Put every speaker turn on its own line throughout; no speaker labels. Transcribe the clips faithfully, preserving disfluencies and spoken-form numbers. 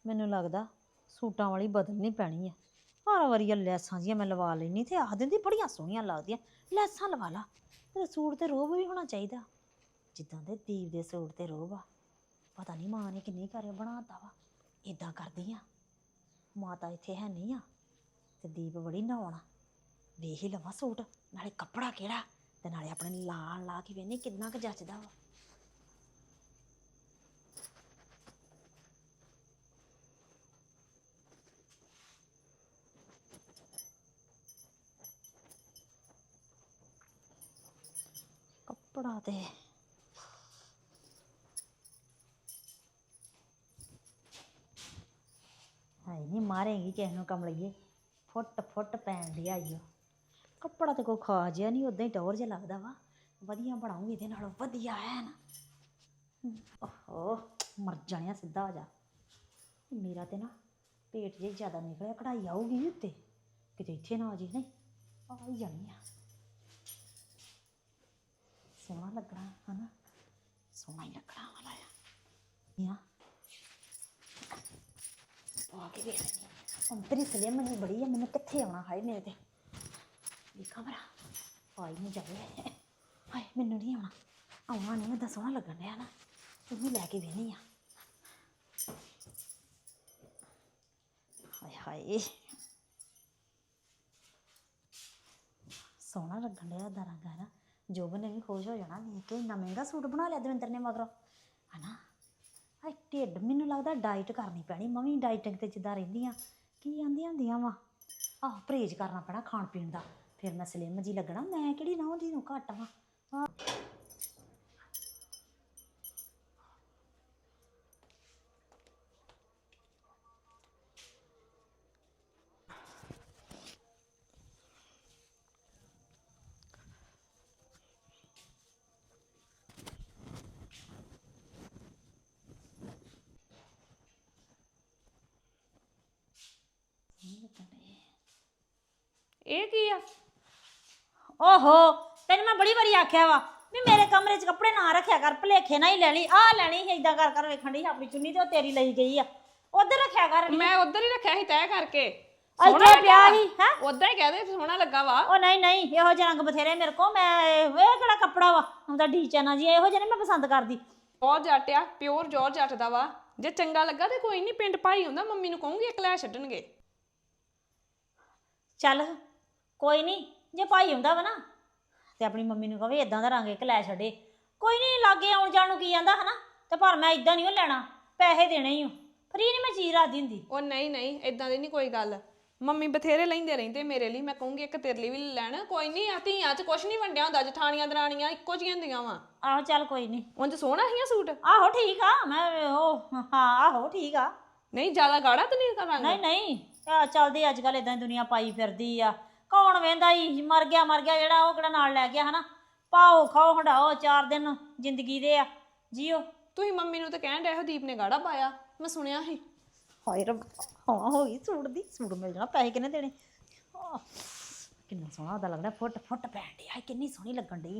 ਮੈਨੂੰ ਲੱਗਦਾ ਸੂਟਾਂ ਵਾਲੀ ਬਦਲਣੀ ਪੈਣੀ ਆ। ਹਰ ਵਾਰੀ ਇਹ ਲੈਸਾਂ ਜੀਆਂ ਮੈਂ ਲਵਾ ਲੈਣੀ ਤੇ ਆਖ ਦਿੰਦੀ ਬੜੀਆਂ ਸੋਹਣੀਆਂ ਲੱਗਦੀਆਂ, ਲੈਸਾਂ ਲਵਾ ਲਾ। ਤੇ ਸੂਟ ਤੇ ਰੋਬ ਵੀ ਹੋਣਾ ਚਾਹੀਦਾ ਜਿੱਦਾਂ ਦੇ ਦੀਪ ਦੇ ਸੂਟ ਤੇ ਰੋਬ ਆ। ਪਤਾ ਨਹੀਂ ਮਾਂ ਨੇ ਕਿੰਨੀ ਘਰ ਬਣਾਤਾ ਵਾ। ਇਦਾਂ ਕਰਦੀ ਆ, ਮਾਤਾ ਇੱਥੇ ਹੈ ਨਹੀਂ ਆ ਤੇ ਦੀਪ ਬੜੀ ਨਹਾਉਣਾ, ਵੇਖ ਹੀ ਲਵਾਂ ਸੂਟ, ਨਾਲੇ ਕੱਪੜਾ ਕਿਹੜਾ ਤੇ ਨਾਲੇ ਆਪਣੇ ਲਾ ਲਾ ਕੇ ਵੇਖਨੀ ਕਿੰਨਾ ਕੁ ਜੱਚਦਾ ਵਾ। ਕੱਪੜਾ ਤੇ ਹੈ ਨਹੀਂ, ਮਾਰੇਗੀ ਕਿਸੇ ਨੂੰ ਕਮਲੀਏ, ਫੁੱਟ ਫੁੱਟ ਪੈਣ ਡਿਆ ਈ ਓ। ਕੱਪੜਾ ਤੇ ਕੋਈ ਖਾ ਜਿਹਾ ਨਹੀਂ, ਉਦਾਂ ਹੀ ਟੌਰ ਜਿਹਾ ਲੱਗਦਾ ਵਾ। ਵਧੀਆ ਬਣਾਉਂਗੀ ਇਹਦੇ ਨਾਲੋਂ ਵਧੀਆ ਹੈ ਨਾ। ਓਹੋ ਮਰ ਜਾਣਿਆ, ਸਿੱਧਾ ਹੋ ਜਾ। ਮੇਰਾ ਤੇ ਨਾ ਪੇਟ ਜੇ ਜ਼ਿਆਦਾ ਨਿਕਲਿਆ, ਕਢਾਈ ਆਊਗੀ ਉੱਤੇ ਕਿਤੇ, ਇੱਥੇ ਨਾ ਆ ਜੀ। ਨਹੀਂ ਆ ਹੀ ਜਾਣੀ ਆ। ਸੋਹਣਾ ਲੱਗਣਾ ਹਨਾ, ਸੋਹਣਾ ਹੀ ਲੱਗਣਾ ਵਾਲਾ ਆ। ਆ ਕੇ ਵੇਖ ਲੈਂਦੀ ਅੰਤਰੀ ਸਲਿਮ ਨਹੀਂ ਬੜੀ ਆ, ਮੈਨੂੰ ਕਿੱਥੇ ਆਉਣਾ। ਹਾਏ ਮੇਰੇ ਤੇ ਦੇਖਾਂ ਭਰਾ ਆਈ ਨਹੀਂ ਜਾਵੇ। ਹਾਏ ਮੈਨੂੰ ਨਹੀਂ ਆਉਣਾ, ਆਉਣਾ ਨਹੀਂ, ਮੈਂ ਸੋਹਣਾ ਲੱਗਣ ਡਿਆ ਨਾ, ਤੂੰ ਲੈ ਕੇ ਵੇਹਨੀ ਆ। ਹਾਏ ਹਾਏ ਸੋਹਣਾ ਲੱਗਣ ਡਿਆ ਦਾ ਰੰਗ ਹੈ ਨਾ। ਜੋਬਨ ਨੇ ਵੀ ਖੁਸ਼ ਹੋ ਜਾਣਾ ਵੇਖ ਕੇ, ਇੰਨਾ ਮਹਿੰਗਾ ਸੂਟ ਬਣਾ ਲਿਆ ਦਵਿੰਦਰ ਨੇ ਮਗਰੋਂ ਹੈ ਨਾ। ਹਾਏ ਢਿੱਡ, ਮੈਨੂੰ ਲੱਗਦਾ ਡਾਈਟ ਕਰਨੀ ਪੈਣੀ। ਮੈਂ ਵੀ ਡਾਈਟਿੰਗ 'ਤੇ ਜਿੱਦਾਂ ਰਹਿੰਦੀ ਹਾਂ, ਕੀ ਆਂਦੀਆਂ ਹੁੰਦੀਆਂ ਵਾ, ਆਹ ਪਰਹੇਜ਼ ਕਰਨਾ ਪੈਣਾ ਖਾਣ ਪੀਣ ਦਾ, ਫਿਰ ਮੈਂ ਸਲਿਮ ਜੀ ਲੱਗਣਾ। ਮੈਂ ਕਿਹੜੀ ਨਾ ਉਹਦੀ ਨੂੰ ਘੱਟ ਵਾਂ। ਹਾਂ
ਇਹ ਕੀ ਆ?
ਓਹੋ ਤੈਨੂੰ ਮੈਂ ਬੜੀ ਵਾਰੀ ਆਖਿਆ ਵਾ ਵੀ ਮੇਰੇ ਕਮਰੇ 'ਚ ਕੱਪੜੇ ਨਾ ਰੱਖਿਆ ਕਰ, ਭੁਲੇਖੇ ਨਾ ਹੀ ਲੈ ਲਈ। ਆਹ ਲੈਣੀ ਸੀ ਏਦਾਂ ਕਰ ਕਰ ਵੇਖਣ ਡਈ ਆਪਣੀ ਚੁੰਨੀ ਤੇ ਉਹ ਤੇਰੀ ਲਈ ਗਈ ਆ, ਉਧਰ ਰੱਖਿਆ ਕਰ।
ਮੈਂ ਉਧਰ ਹੀ ਰੱਖਿਆ ਸੀ ਤੈਅ ਕਰਕੇ,
ਇੱਥੇ ਪਿਆ ਸੀ ਹੈ।
ਉਦਾਂ ਹੀ ਕਹਦੇ ਸੋਹਣਾ ਲੱਗਾ ਵਾ।
ਉਹ ਨਹੀਂ ਨਹੀਂ, ਇਹੋ ਜਿਹੇ ਰੰਗ ਬਥੇਰੇ ਮੇਰੇ ਕੋਲ। ਮੈਂ ਇਹ ਕਿਹੜਾ ਕੱਪੜਾ ਵਾ ਹੁੰਦਾ ਡੀ ਚੈਨਾ ਜੀ, ਇਹੋ ਜਿਹੇ ਨਹੀਂ ਮੈਂ ਪਸੰਦ ਕਰਦੀ।
ਜੋਰ ਜੱਟ ਆ, ਪਿਓਰ ਜੋਰ ਜੱਟ ਦਾ ਵਾ। ਜੇ ਚੰਗਾ ਲੱਗਾ ਤੇ ਕੋਈ ਨਹੀਂ, ਪਿੰਡ ਭਾਈ ਹੁੰਦਾ, ਮੰਮੀ ਨੂੰ ਕਹੂੰਗੀ ਇੱਕ ਲੈ ਛੱਡਣਗੇ।
ਚੱਲ ਕੋਈ ਨਹੀਂ, ਜੇ ਭਾਈ ਹੁੰਦਾ ਵਾ ਨਾ ਤੇ ਆਪਣੀ ਮੰਮੀ ਨੂੰ ਕਹਵੇ ਇਦਾਂ ਦਾ ਰੰਗ ਇੱਕ ਲੈ ਛੱਡੇ। ਕੋਈ ਨਹੀਂ, ਲਾਗੇ ਆਉਣ ਜਾਣ ਨੂੰ ਕੀ ਜਾਂਦਾ ਹੈ ਨਾ। ਤੇ ਪਰ ਮੈਂ ਇਦਾਂ ਨਹੀਂ ਉਹ ਲੈਣਾ, ਪੈਸੇ ਦੇਣੇ ਹੀ ਹੋ, ਫਰੀ ਨਹੀਂ ਮੈਂ ਚੀਜ਼ ਰੱਖਦੀ ਹੁੰਦੀ।
ਉਹ ਨਹੀਂ ਨਹੀਂ, ਇਦਾਂ ਦੀ ਨਹੀਂ ਕੋਈ ਗੱਲ। ਮੰਮੀ ਬਥੇਰੇ ਲੈਂਦੇ ਰਹਿੰਦੇ ਮੇਰੇ ਲਈ, ਮੈਂ ਕਹੂੰਗੀ ਇੱਕ ਤੇਰੇ ਲਈ ਵੀ ਲੈਣ। ਕੋਈ ਨਹੀਂ, ਆ ਧੀਆਂ 'ਚ ਕੁਛ ਨਹੀਂ ਵੰਡਿਆ ਹੁੰਦਾ, ਜਠਾਣੀਆਂ ਦਰਾਣੀਆਂ ਇੱਕੋ ਜਿਹੀਆਂ ਹੁੰਦੀਆਂ ਵਾ।
ਆਹੋ ਚੱਲ ਕੋਈ ਨਹੀਂ।
ਉਂਝ ਸੋਹਣਾ ਸੀ ਸੂਟ।
ਆਹੋ ਠੀਕ ਆ, ਮੈਂ ਉਹ ਹਾਂ ਆਹੋ ਠੀਕ ਆ।
ਨਹੀਂ ਜ਼ਿਆਦਾ ਗਾੜਾ ਤਾਂ ਨਹੀਂ ਰੰਗ?
ਨਹੀਂ ਨਹੀਂ, ਆ ਚੱਲਦੀ ਅੱਜ ਕੱਲ੍ਹ ਇਦਾਂ ਦੁਨੀਆ ਪਾਈ ਫਿਰਦੀ ਆ। ਕੌਣ ਵੇਂਦਾ ਹੀ, ਮਰ ਗਿਆ ਮਰ ਗਿਆ ਜਿਹੜਾ, ਉਹ ਕਿਹੜਾ ਨਾਲ ਲੈ ਗਿਆ ਹਨਾ। ਪਾਓ ਖਾਓ ਹੰਡਾਓ, ਚਾਰ ਦਿਨ ਜ਼ਿੰਦਗੀ ਦੇ ਆ, ਜੀਓ।
ਤੁਸੀਂ ਮੰਮੀ ਨੂੰ ਤਾਂ ਕਹਿਣ ਡਿਆ ਦੀਪ ਨੇ ਗਾੜਾ ਪਾਇਆ, ਮੈਂ ਸੁਣਿਆ ਸੀ।
ਹਾਏ ਰੱਬ, ਹਾਂ ਹੋ ਗਈ ਸੂਟ ਦੀ, ਸੂਟ ਮਿਲ ਜਾਣਾ। ਪੈਸੇ ਕਿੰਨੇ ਦੇਣੇ? ਕਿੰਨਾ ਸੋਹਣਾ ਉਹਦਾ ਲੱਗਦਾ, ਫੁੱਟ ਫੁੱਟ ਪੈਣ ਡਿਆ, ਕਿੰਨੀ ਸੋਹਣੀ ਲੱਗਣ ਡਈ।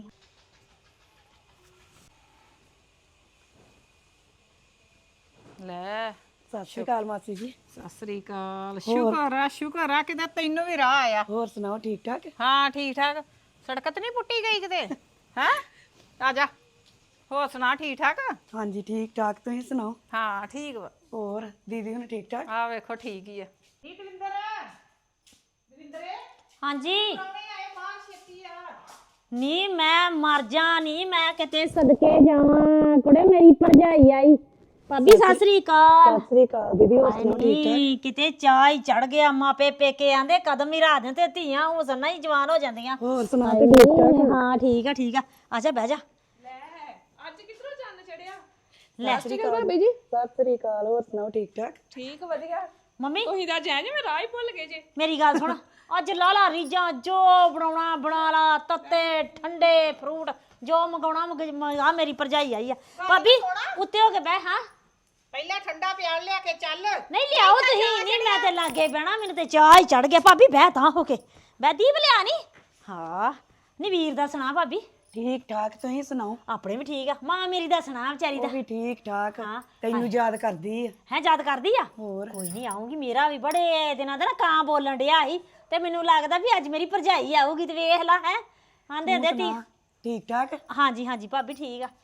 ਲੈ
ਸਤਿ ਸ਼੍ਰੀ ਅਕਾਲ ਮਾਸੀ ਜੀ।
ਸਤਿ ਸ੍ਰੀ ਅਕਾਲ। ਸ਼ੁਕਰ ਆ ਸ਼ੁਕਰ ਆ ਕਿਤੇ ਤੈਨੂੰ ਵੀ ਰਾਹ ਆਇਆ।
ਹੋਰ ਸੁਣਾਓ, ਠੀਕ ਠਾਕ?
ਹਾਂ ਠੀਕ ਠਾਕ। ਸੜਕ ਤੇ ਨਹੀਂ ਪੁੱਟੀ ਗਈ ਕਿਤੇ? ਹੈ ਆ ਜਾ, ਹੋਰ ਸੁਣਾ ਠੀਕ ਠਾਕ?
ਹਾਂਜੀ ਠੀਕ ਠਾਕ, ਤੁਸੀਂ ਸੁਣਾਓ?
ਹਾਂ ਠੀਕ ਵਾ।
ਹੋਰ ਦੀਦੀ ਹੁਣ ਠੀਕ ਠਾਕ?
ਆ ਵੇਖੋ ਠੀਕ ਹੀ ਆ। ਨੀ ਦਵਿੰਦਰ, ਦਵਿੰਦਰੇ
ਹਾਂਜੀ
ਆਏ ਮਾਂ ਛੇਤੀ ਆ।
ਨੀ ਮੈਂ ਮਰ ਜਾ, ਨੀ ਮੈਂ ਕਿਤੇ ਸਦਕੇ ਜਾਵਾਂ, ਕੁੜੇ ਮੇਰੀ ਭਰਜਾਈ ਆਈ। ਭਾਬੀ ਸਤਿ ਸ੍ਰੀ ਅਕਾਲ।
ਸਤਿ ਸ਼੍ਰੀ ਅਕਾਲ ਦੀਦੀ, ਹੋਰ ਸੁਣਾਓ ਠੀਕ ਠਾਕ?
ਹਾਏ ਕਿਤੇ ਚਾਹ ਹੀ ਚੜ ਗਿਆ। ਮਾਪੇ ਪੇਕੇ ਆਂਦੇ ਕਦਮ ਹੀ ਰਾਹ ਦਿੰਦੇ, ਧੀਆਂ ਹੁਸਨ ਹੀ ਜਵਾਨ ਹੋ ਜਾਂਦੀਆਂ।
ਹੋਰ ਸੁਣਾ ਤੇ ਠੀਕ ਠਾਕ?
ਹਾਂ ਠੀਕ ਆ ਠੀਕ ਆ, ਆਜਾ ਬਹਿ ਜਾ।
ਲੈ ਅੱਜ ਕਿਧਰੋਂ ਚੰਨ ਚੜਿਆ?
ਲੈ
ਸਤਿ ਸ਼੍ਰੀ ਅਕਾਲ ਭਾਬੀ ਜੀ।
ਸਤਿ ਸ਼੍ਰੀ ਅਕਾਲ, ਹੋਰ ਸੁਣਾਓ ਠੀਕ ਠਾਕ?
ਠੀਕ ਵਧੀਆ।
ਮੰਮੀ
ਤੁਸੀਂ ਤਾਂ ਜੈ ਜਿਵੇਂ ਰਾਹ ਹੀ ਭੁੱਲ ਗਏ ਜੇ।
ਮੇਰੀ ਗੱਲ ਸੁਣ, ਅੱਜ ਲਾ ਲਾ ਰੀਜਾਂ, ਜੋ ਬਣਾਉਣਾ ਬਣਾ ਲਾ, ਤੱਤੇ ਠੰਡੇ ਫਰੂਟ ਜੋ ਮੰਗਾਉਣਾ। ਆ ਮੇਰੀ ਭਰਜਾਈ ਆਈ ਆ। ਭਾਬੀ ਉੱਤੇ ਹੋ ਕੇ ਬਹਿ। ਹਾਂ
ਪਹਿਲਾਂ ਠੰਡਾ ਪਿਆਲ ਲਿਆ ਕੇ ਚੱਲ।
ਨਹੀਂ ਲਿਆਓ ਤੁਸੀਂ, ਨਹੀਂ ਮੈਂ ਤੇ ਲਾਗੇ ਬਹਿਣਾ, ਮੈਨੂੰ ਤੇ ਚਾਹ ਹੀ ਚੜ ਗਿਆ। ਭਾਬੀ ਬਹਿ ਤਾਂ ਹੋ ਕੇ, ਬਹਿ। ਦੀਪ ਲਿਆ ਨੀ? ਹਾਂ ਨੀ ਵੀਰ ਦਾ ਸੁਣਾ ਭਾਬੀ?
ਠੀਕ ਠਾਕ ਤੁਸੀਂ ਸੁਣਾਓ?
ਆਪਣੇ ਵੀ ਠੀਕ ਆ। ਮਾਂ ਮੇਰੀ ਦਾ ਸੁਣਾ ਵਿਚਾਰੀ ਦਾ।
ਉਹ ਵੀ ਠੀਕ ਠਾਕ
ਹਾਂ,
ਤੈਨੂੰ ਯਾਦ ਕਰਦੀ ਆ।
ਹੈ ਯਾਦ ਕਰਦੀ ਆ?
ਹੋਰ
ਕੋਈ ਨਹੀਂ ਆਉਂਗੀ। ਮੇਰਾ ਵੀ ਬੜੇ ਦਿਨਾਂ ਦਾ ਨਾ ਕਾਂ ਬੋਲਣ ਡਿਆ ਸੀ ਤੇ ਮੈਨੂੰ ਲੱਗਦਾ ਵੀ ਅੱਜ ਮੇਰੀ ਭਰਜਾਈ ਆਊਗੀ ਤੇ ਵੇਖ ਲਾ ਹੈ ਆਂਦੇ ਆਂਦੇ ਤੀ।
ਸੁਣਾ, ਠੀਕ ਠਾਕ?
ਹਾਂਜੀ ਹਾਂਜੀ ਭਾਬੀ ਠੀਕ ਆ।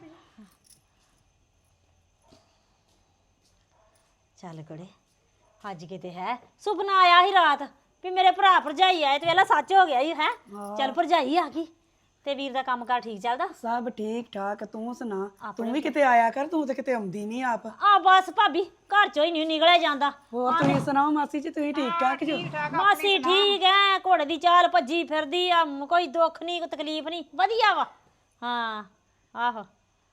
ਚੱਲ ਕੜੇ ਅੱਜ ਕਿਤੇ ਹੈ ਸੁਪਨਾ ਆਇਆ ਸੀ ਰਾਤ ਵੀ ਮੇਰੇ ਭਰਾ ਭਰਜਾਈ ਆਏ ਤੇ ਵੇਲਾ ਸੱਚ ਹੋ ਗਿਆ ਹੀ ਹੈ। ਚੱਲ ਭਰਜਾਈ ਆ ਗਈ ਤੇ ਵੀਰ ਦਾ ਕੰਮ ਕਾਰ ਠੀਕ ਚੱਲਦਾ?
ਸਭ ਠੀਕ ਠਾਕ ਤੂੰ ਸੁਣਾ? ਤੂੰ ਵੀ ਕਿਤੇ ਆਇਆ ਕਰ, ਤੂੰ ਤੇ ਕਿਤੇ ਆਉਂਦੀ ਨਹੀਂ ਆਪ।
ਆ ਬਸ ਭਾਬੀ ਘਰ ਚੋਂ ਹੀ ਨਹੀਂ ਨਿਕਲਿਆ ਜਾਂਦਾ।
ਹੋਰ ਤੁਸੀਂ ਸੁਣਾਓ ਮਾਸੀ ਜੀ, ਤੁਸੀਂ ਠੀਕ ਠਾਕ ਜੋ?
ਮਾਸੀ ਠੀਕ ਐ, ਘੋੜੇ ਦੀ ਚਾਲ ਭੱਜੀ ਫਿਰਦੀ ਆ, ਮ- ਕੋਈ ਦੁੱਖ ਨਹੀਂ ਕੋਈ ਤਕਲੀਫ ਨਹੀਂ, ਵਧੀਆ ਵਾ। ਹਾਂ ਆਹੋ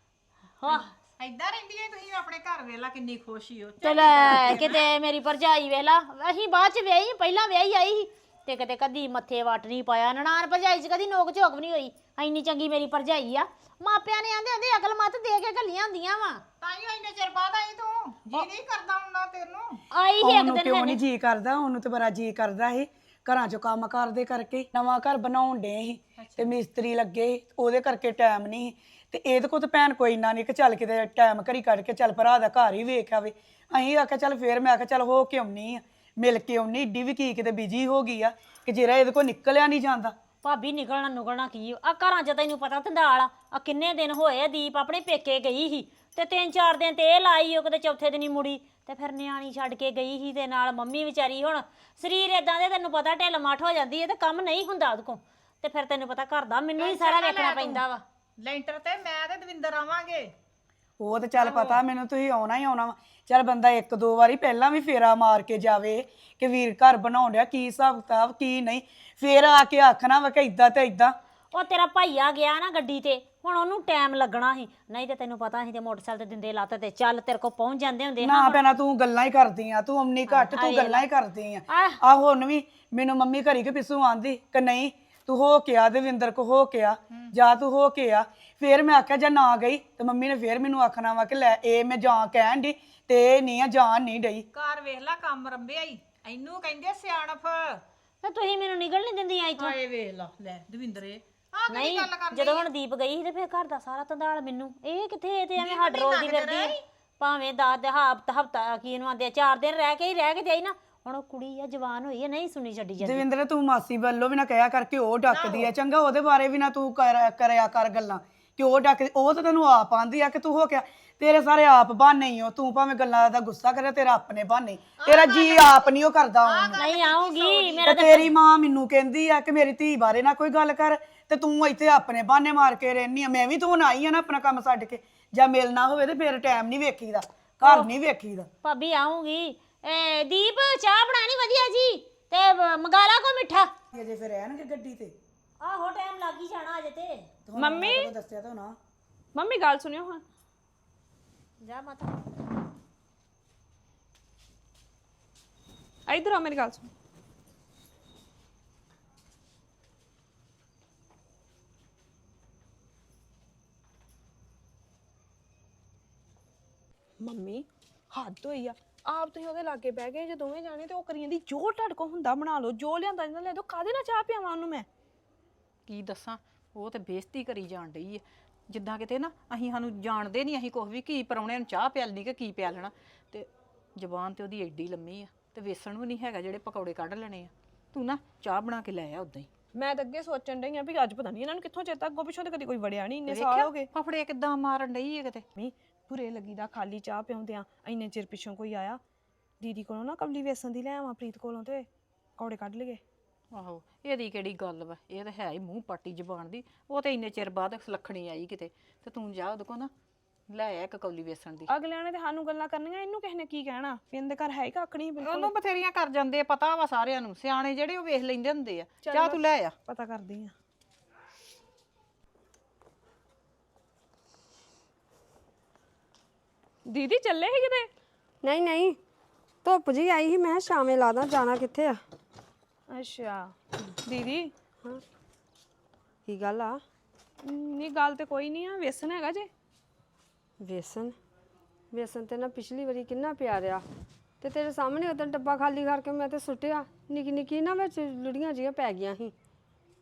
ਹਾਂ
ਏਦਾਂ ਰਹਿੰਦੀਆਂ ਤੁਸੀਂ ਆਪਣੇ ਘਰ ਵੇਲਾ ਕਿੰਨੀ ਖੁਸ਼ੀ ਹੋ।
ਚਲ ਕਿਤੇ ਮੇਰੀ ਭਰਜਾਈ ਵੇਲਾ ਅਸੀਂ ਬਾਅਦ ਚ ਵਿਆਹੀ ਪਹਿਲਾਂ ਵਿਆਹੀ ਆਈ ਸੀ ਤੇ ਕਿਤੇ ਕਦੀ ਮੱਥੇ ਵੱਟ ਨਹੀਂ ਪਾਇਆ। ਨਨਾਣ ਭਰਜਾਈ ਚ ਕਦੀ ਨੋਕ ਝੋਕ ਵੀ ਨਹੀਂ ਹੋਈ। ਇੰਨੀ ਚੰਗੀ ਮੇਰੀ ਭਰਜਾਈ ਆ। ਮਾਪਿਆਂ ਨੇ ਆਂਦੇ ਆਂਦੇ ਅਕਲ ਮੱਤ ਦੇ ਕੇ ਘੱਲੀਆਂ ਹੁੰਦੀਆਂ ਵਾ।
ਤਾਈਓ ਇੰਨੇ ਚਿਰ ਬਾਅਦ ਆਈ ਤੂੰ, ਜੀ ਨਹੀਂ ਕਰਦਾ ਹੁੰਦਾ ਤੈਨੂੰ?
ਆਈ ਸੀ ਇੱਕ
ਉਹਨੂੰ
ਦਿਨ
ਕਿਉਂ ਨਹੀਂ ਜੀ ਕਰਦਾ? ਉਹਨੂੰ ਤੇ ਬੜਾ ਜੀ ਕਰਦਾ ਸੀ। ਘਰਾਂ ਚੋਂ ਕੰਮ ਕਰਦੇ ਕਰਕੇ ਨਵਾਂ ਘਰ ਬਣਾਉਣ ਡੇ ਸੀ ਤੇ ਮਿਸਤਰੀ ਲੱਗੇ ਸੀ, ਉਹਦੇ ਕਰਕੇ ਟਾਈਮ ਨਹੀਂ ਸੀ। ਤੇ ਇਹਦੇ ਕੋਲ ਤਾਂ ਭੈਣ ਕੋਈ ਇੰਨਾ ਨਹੀਂ ਕਿ ਚੱਲ ਕਿਤੇ ਟਾਈਮ ਘੜੀ ਕੱਢ ਕੇ ਚੱਲ ਭਰਾ ਦਾ ਘਰ ਹੀ ਵੇਖ ਆਵੇ। ਅਸੀਂ ਆਖਿਆ ਚੱਲ ਫੇਰ ਮੈਂ ਆਖਿਆ ਚੱਲ ਹੋ ਕੇ ਆਉਣੀ ਆ, ਮਿਲ ਕੇ ਆਉਣੀ। ਏਡੀ ਵੀ ਕੀ ਕਿਤੇ ਬਿਜੀ ਹੋ ਗਈ ਆ ਕਿ ਜਿਹੜਾ ਇਹਦੇ ਕੋਲ ਨਿਕਲਿਆ ਨਹੀਂ ਜਾਂਦਾ।
ਭਾਬੀ ਨਿਕਲਣਾ ਨੁਕਲਣਾ ਕੀ ਆ ਘਰਾਂ ਚ ਤੈਨੂੰ ਪਤਾ ਧੰਦਾਲ ਆ। ਆ ਕਿੰਨੇ ਦਿਨ ਹੋਏ ਆ ਦੀਪ ਆਪਣੇ ਪੇਕੇ ਗਈ ਸੀ ਤੇ ਤਿੰਨ ਚਾਰ ਦਿਨ ਤੇ ਇਹ ਲਾਈ ਉਹ ਕਿਤੇ ਚੌਥੇ ਦਿਨ ਹੀ ਮੁੜੀ ਤੇ ਫਿਰ ਨਿਆਣੀ ਛੱਡ ਕੇ ਗਈ ਸੀ ਤੇ ਨਾਲ ਮੰਮੀ ਵਿਚਾਰੀ ਹੁਣ ਸਰੀਰ ਇਦਾਂ ਦੇ ਤੈਨੂੰ ਪਤਾ ਢਿੱਲ ਮੱਠ ਹੋ ਜਾਂਦੀ ਹੈ ਤੇ ਕੰਮ ਨਹੀਂ ਹੁੰਦਾ ਉਹਦੇ ਕੋਲ ਤੇ ਫਿਰ ਤੈਨੂੰ ਪਤਾ ਘਰ ਦਾ ਮੈਨੂੰ ਹੀ ਸਾਰਾ ਵੇਖਣਾ ਪੈਂਦਾ ਵਾ।
ਲੈਂਟਰ ਤੇ ਮੈਂ ਤੇ ਦਵਿੰਦਰ ਆਵਾਂਗੇ।
ਉਹ ਤੇ ਚੱਲ ਪਤਾ ਮੈਨੂੰ, ਤੁਸੀਂ ਆਉਣਾ ਹੀ ਆਉਣਾ ਵਾ। ਚੱਲ ਬੰਦਾ ਇੱਕ ਦੋ ਵਾਰੀ ਪਹਿਲਾਂ ਵੀ ਫੇਰਾ ਮਾਰ ਕੇ ਜਾਵੇ ਕਿ ਵੀਰ ਘਰ ਬਣਾਉਣ ਡਿਆ, ਕੀ ਹਿਸਾਬ ਕਿਤਾਬ ਕੀ ਨਹੀਂ, ਫੇਰ ਆ ਕੇ ਆਖਣਾ ਵਾ ਕਿ ਇਦਾਂ ਤੇ ਇਦਾਂ।
ਉਹ ਤੇਰਾ ਭਾਈਆ ਗਿਆ ਨਾ ਗੱਡੀ ਤੇ, ਹੁਣ ਉਹਨੂੰ ਟਾਈਮ ਲੱਗਣਾ ਸੀ। ਨਹੀਂ ਤੇ ਤੈਨੂੰ ਪਤਾ ਸੀ ਤੇ ਮੋਟਰਸਾਈਕਲ ਤੇ ਦਿੰਦੇ ਲੱਤ ਤੇ ਚੱਲ ਤੇਰੇ ਕੋਲ ਪਹੁੰਚ ਜਾਂਦੇ ਹੁੰਦੇ।
ਨਾ ਭੈਣਾ ਤੂੰ ਗੱਲਾਂ ਹੀ ਕਰਦੀ ਆ, ਤੂੰ ਅੰਨੀ ਘੱਟ ਤੂੰ ਗੱਲਾਂ ਹੀ ਕਰਦੀ ਆ। ਆ ਹੁਣ ਵੀ ਮੈਨੂੰ ਮੰਮੀ ਘਰੀ ਕੇ ਪਿੱਛੋਂ ਆਂਦੀ ਕਿ ਨਹੀਂ ਤੂੰ ਹੋ ਕੇ ਆ, ਦਵਿੰਦਰ ਕੋ ਹੋ ਕੇ ਆ, ਜਾ ਤੂੰ ਹੋ ਕੇ ਆ। ਫੇਰ ਮੈਂ ਆਖਿਆ ਜੇ ਨਾ ਗਈ ਤੇ ਮੰਮੀ ਨੇ ਫੇਰ ਮੈਨੂੰ ਆਖਣਾ ਵਾ ਕਿ ਲੈ ਇਹ ਮੈਂ ਜਾਂ ਕਹਿਣ ਦੀ ਤੇ ਇਹ ਨਹੀਂ ਆ, ਜਾਣ ਨਹੀਂ ਡਈ।
ਘਰ ਵੇਖ ਲੈ ਕੰਮ ਰੰਬਿਆ ਹੀ, ਇਹਨੂੰ ਕਹਿੰਦੇ ਸਿਆਣਪ।
ਤੇ ਤੁਸੀਂ ਮੈਨੂੰ ਨਿਕਲ ਨਹੀਂ ਦਿੰਦੀਆਂ ਇੱਥੋਂ।
ਹਾਏ ਵੇਖ ਲਾ ਲੈ ਦਵਿੰਦਰੇ ਆ ਕਿਹੜੀ
ਨਹੀਂ
ਗੱਲ ਕਰਦੀ?
ਜਦੋਂ ਹੁਣ ਦੀਪ ਗਈ ਸੀ ਤੇ ਫਿਰ ਘਰ ਦਾ ਸਾਰਾ ਧੰਦਾਲ ਮੈਨੂੰ। ਇਹ ਕਿੱਥੇ ਇਹ ਤੇ ਐਵੇਂ ਹੱਡ ਰੋਲਦੀ ਫਿਰਦੀ ਆ। ਭਾਵੇਂ ਦਸ ਦੇ ਹਫ਼ਤਾ ਹਫ਼ਤਾ ਕੀ ਇਹਨੂੰ ਆਂਦੇ ਚਾਰ ਦਿਨ ਰਹਿ ਕੇ ਹੀ ਰਹਿ ਕੇ ਜਾਈ ਨਾ। ਹੁਣ ਉਹ ਕੁੜੀ ਆ ਜਵਾਨ ਹੋਈ ਆ, ਨਹੀਂ ਸੁਣੀ ਛੱਡੀ ਜਾਂਦੀ।
ਦਵਿੰਦਰ ਤੂੰ ਮਾਸੀ ਵੱਲੋਂ ਵੀ ਨਾ ਕਹਿਆ ਕਰਕੇ ਉਹ ਡੱਕਦੀ ਆ, ਚੰਗਾ ਉਹਦੇ ਬਾਰੇ ਵੀ ਨਾ ਤੂੰ ਕਰ- ਕਰਿਆ ਕਰ ਗੱਲਾਂ ਕਿ ਉਹ ਡੱਕਦੀ। ਉਹ ਤਾਂ ਤੈਨੂੰ ਆਪ ਆਂਦੀ ਆ ਕਿ ਤੂੰ ਹੋ ਗਿਆ। ਤੇਰੇ ਸਾਰੇ ਆਪ ਬਹਾਨੇ ਹੀ ਹੋ। ਤੂੰ ਭਾਵੇਂ ਗੱਲਾਂ ਦਾ ਗੁੱਸਾ ਕਰੇ, ਤੇਰਾ ਆਪਣੇ ਬਹਾਨੇ, ਤੇਰਾ ਜੀ ਆਪ ਨਹੀਂ ਉਹ ਕਰਦਾ ਉਹਨੂੰ।
ਨਹੀਂ ਆਉਂਗੀ ਮੇਰਾ
ਤੇ ਤੇਰੀ ਮਾਂ ਮੈਨੂੰ ਕਹਿੰਦੀ ਆ ਕਿ ਮੇਰੀ ਧੀ ਬਾਰੇ ਨਾ ਕੋਈ ਗੱਲ ਕਰ ਤੇ ਤੂੰ ਇੱਥੇ ਆਪਣੇ ਬਹਾਨੇ ਮਾਰ ਕੇ ਰਹਿਨੀ ਆ। ਮੈਂ ਵੀ ਤੂੰ ਆਈ ਆ ਨਾ ਆਪਣਾ ਕੰਮ ਛੱਡ ਕੇ, ਜਾਂ ਮਿਲਣਾ ਹੋਵੇ ਤੇ ਫਿਰ ਟਾਈਮ ਨਹੀਂ ਵੇਖੀਦਾ, ਘਰ ਨਹੀਂ ਵੇਖੀਦਾ।
ਭਾਬੀ ਆਉਂਗੀ। ਏ ਦੀਪ ਚਾਹ ਬਣਾਣੀ ਵਧੀਆ ਜੀ ਤੇ ਮੰਗਾ ਲਾ ਕੋ ਮਿੱਠਾ।
ਅਜੇ ਫਿਰ ਰਹਿਣਗੇ ਗੱਡੀ ਤੇ?
ਆਹੋ ਟਾਈਮ ਲੱਗ ਹੀ ਜਾਣਾ ਅਜੇ ਤੇ।
ਮੰਮੀ
ਦੱਸਿਆ ਤਾਂ ਨਾ।
ਮੰਮੀ ਗੱਲ ਸੁਣਿਓ ਹਾਂ।
ਜਾ ਮਾਤਾ
ਇਧਰ ਆ ਮੇਰੀ ਗੱਲ ਸੁਣ। ਮੰਮੀ ਹੱਦ ਹੋਈ ਆ। ਆਪ ਤੁਸੀਂ ਉਹਦੇ ਲਾਗੇ ਬਹਿ ਗਏ ਜੇ ਦੋਵੇਂ ਜਾਣੇ ਤੇ ਉਹ ਕਰੀ ਜਾਂਦੀ ਜੋ ਤੁਹਾਡੇ ਕੋ ਹੁੰਦਾ ਬਣਾ ਲਓ, ਜੋ ਲਿਆਂਦਾ ਇਹਨਾਂ ਲੈ ਦੋ। ਕਾਹਦੇ ਨਾਲ ਚਾਹ ਪਿਆਵਾਂ ਉਹਨੂੰ ਮੈਂ?
ਕੀ ਦੱਸਾਂ, ਉਹ ਤੇ ਬੇਇੱਜ਼ਤੀ ਕਰੀ ਜਾਣ ਡਈ ਹੈ। ਜਿੱਦਾਂ ਕਿਤੇ ਨਾ ਅਸੀਂ ਸਾਨੂੰ ਜਾਣਦੇ ਨਹੀਂ, ਅਸੀਂ ਕੁਛ ਵੀ ਕੀ ਪਰਾਉਣਿਆਂ ਨੂੰ ਚਾਹ ਪਿਆਲਣੀ ਕਿ ਕੀ ਪਿਆਲਣਾ। ਤੇ ਜ਼ਬਾਨ ਤੇ ਉਹਦੀ ਐਡੀ ਲੰਮੀ ਆ ਤੇ ਵੇਸਣ ਵੀ ਨਹੀਂ ਹੈਗਾ ਜਿਹੜੇ ਪਕੌੜੇ ਕੱਢ ਲੈਣੇ ਆ। ਤੂੰ ਨਾ ਚਾਹ ਬਣਾ ਕੇ ਲੈ ਆ ਉਦਾਂ ਹੀ।
ਮੈਂ ਤਾਂ ਅੱਗੇ ਸੋਚਣ ਡਈ ਆ ਵੀ ਅੱਜ ਪਤਾ ਨਹੀਂ ਇਹਨਾਂ ਨੂੰ ਕਿੱਥੋਂ ਚੇਤਾ, ਅੱਗੋਂ ਪਿੱਛੋਂ ਤੇ ਕਦੀ ਕੋਈ ਵੜਿਆ ਨਹੀਂ, ਇੰਨੇ ਸਾਲ ਹੋ ਗਏ।
ਫਫੜੇ ਕਿੱਦਾਂ ਮਾਰਨ ਡਈ ਹੈ ਕਿਤੇ।
ਮੀ ਬੁਰੇ ਲੱਗੀ ਦਾ ਖਾਲੀ ਚਾਹ ਪਿਆਉਂਦੇ ਆ। ਇੰਨੇ ਚਿਰ ਪਿੱਛੋਂ ਕੋਈ ਆਇਆ ਦੀਦੀ ਕੋਲੋਂ ਨਾ ਕਵਲੀ ਵੇਸਣ ਦੀ ਲੈ ਆਵਾਂ ਪ੍ਰੀਤ ਕੋਲੋਂ ਤੇ ਪਕੌੜੇ ਕੱਢ ਲਈਏ।
ਆਹੋ ਇਹਦੀ ਕਿਹੜੀ ਗੱਲ ਵਾ, ਇਹ ਤਾਂ ਹੈ ਹੀ ਮੂੰਹ ਪਾਟੀ ਜ਼ਬਾਨ ਦੀ। ਉਹ ਤੇ ਇੰਨੇ ਚਿਰ ਬਾਅਦ ਸੁਲੱਖਣੀ ਆਈ ਕਿਤੇ, ਤੇ ਤੂੰ ਜਾ ਉਹਦੇ ਕੋਲ ਨਾ ਲੈ ਆ ਇੱਕ ਕੌਲੀ ਵੇਸਣ ਦੀ।
ਅਗਲਿਆਂ ਨੇ ਤੇ ਸਾਨੂੰ ਗੱਲਾਂ ਕਰਨੀਆਂ, ਇਹਨੂੰ ਕਿਸੇ ਨੇ ਕੀ ਕਹਿਣਾ? ਇਹਦੇ ਘਰ ਹੈ ਹੀ ਕੱਖ ਨਹੀਂ ਬਿਲਕੁਲ।
ਉਹਨੂੰ ਬਥੇਰੀਆਂ ਕਰ ਜਾਂਦੇ ਆ, ਪਤਾ ਵਾ ਸਾਰਿਆਂ ਨੂੰ, ਸਿਆਣੇ ਜਿਹੜੇ ਉਹ ਵੇਖ ਲੈਂਦੇ ਹੁੰਦੇ ਆ। ਚਾਹ ਤੂੰ ਲੈ ਆ।
ਪਤਾ ਕਰਦੀ ਆ। ਦੀਦੀ ਚੱਲੇ ਸੀ ਕਿਤੇ?
ਨਹੀਂ ਨਹੀਂ ਧੁੱਪ ਜੀ ਆਈ ਸੀ, ਮੈਂ ਸ਼ਾਮੇ ਲਾਦਾ, ਜਾਣਾ ਕਿੱਥੇ ਆ।
ਅੱਛਾ ਦੀਦੀ
ਹਾਂ ਕੀ ਗੱਲ ਆ?
ਨਹੀਂ ਗੱਲ ਤੇ ਕੋਈ ਨਹੀਂ ਆ। ਵੇਸਣ ਹੈਗਾ ਜੇ?
ਵੇਸਣ ਵੇਸਣ ਤੇ ਨਾ ਪਿਛਲੀ ਵਾਰੀ ਕਿੰਨਾ ਪਿਆ ਰਿਹਾ ਤੇ ਤੇਰੇ ਸਾਹਮਣੇ ਉਦੋਂ ਡੱਬਾ ਖਾਲੀ ਕਰਕੇ ਮੈਂ ਤੇ ਸੁੱਟਿਆ। ਨਿੱਕੀ ਨਿੱਕੀ ਨਾ ਵਿੱਚ ਲੁੜੀਆਂ ਜੀਆਂ ਪੈ ਗਈਆਂ ਸੀ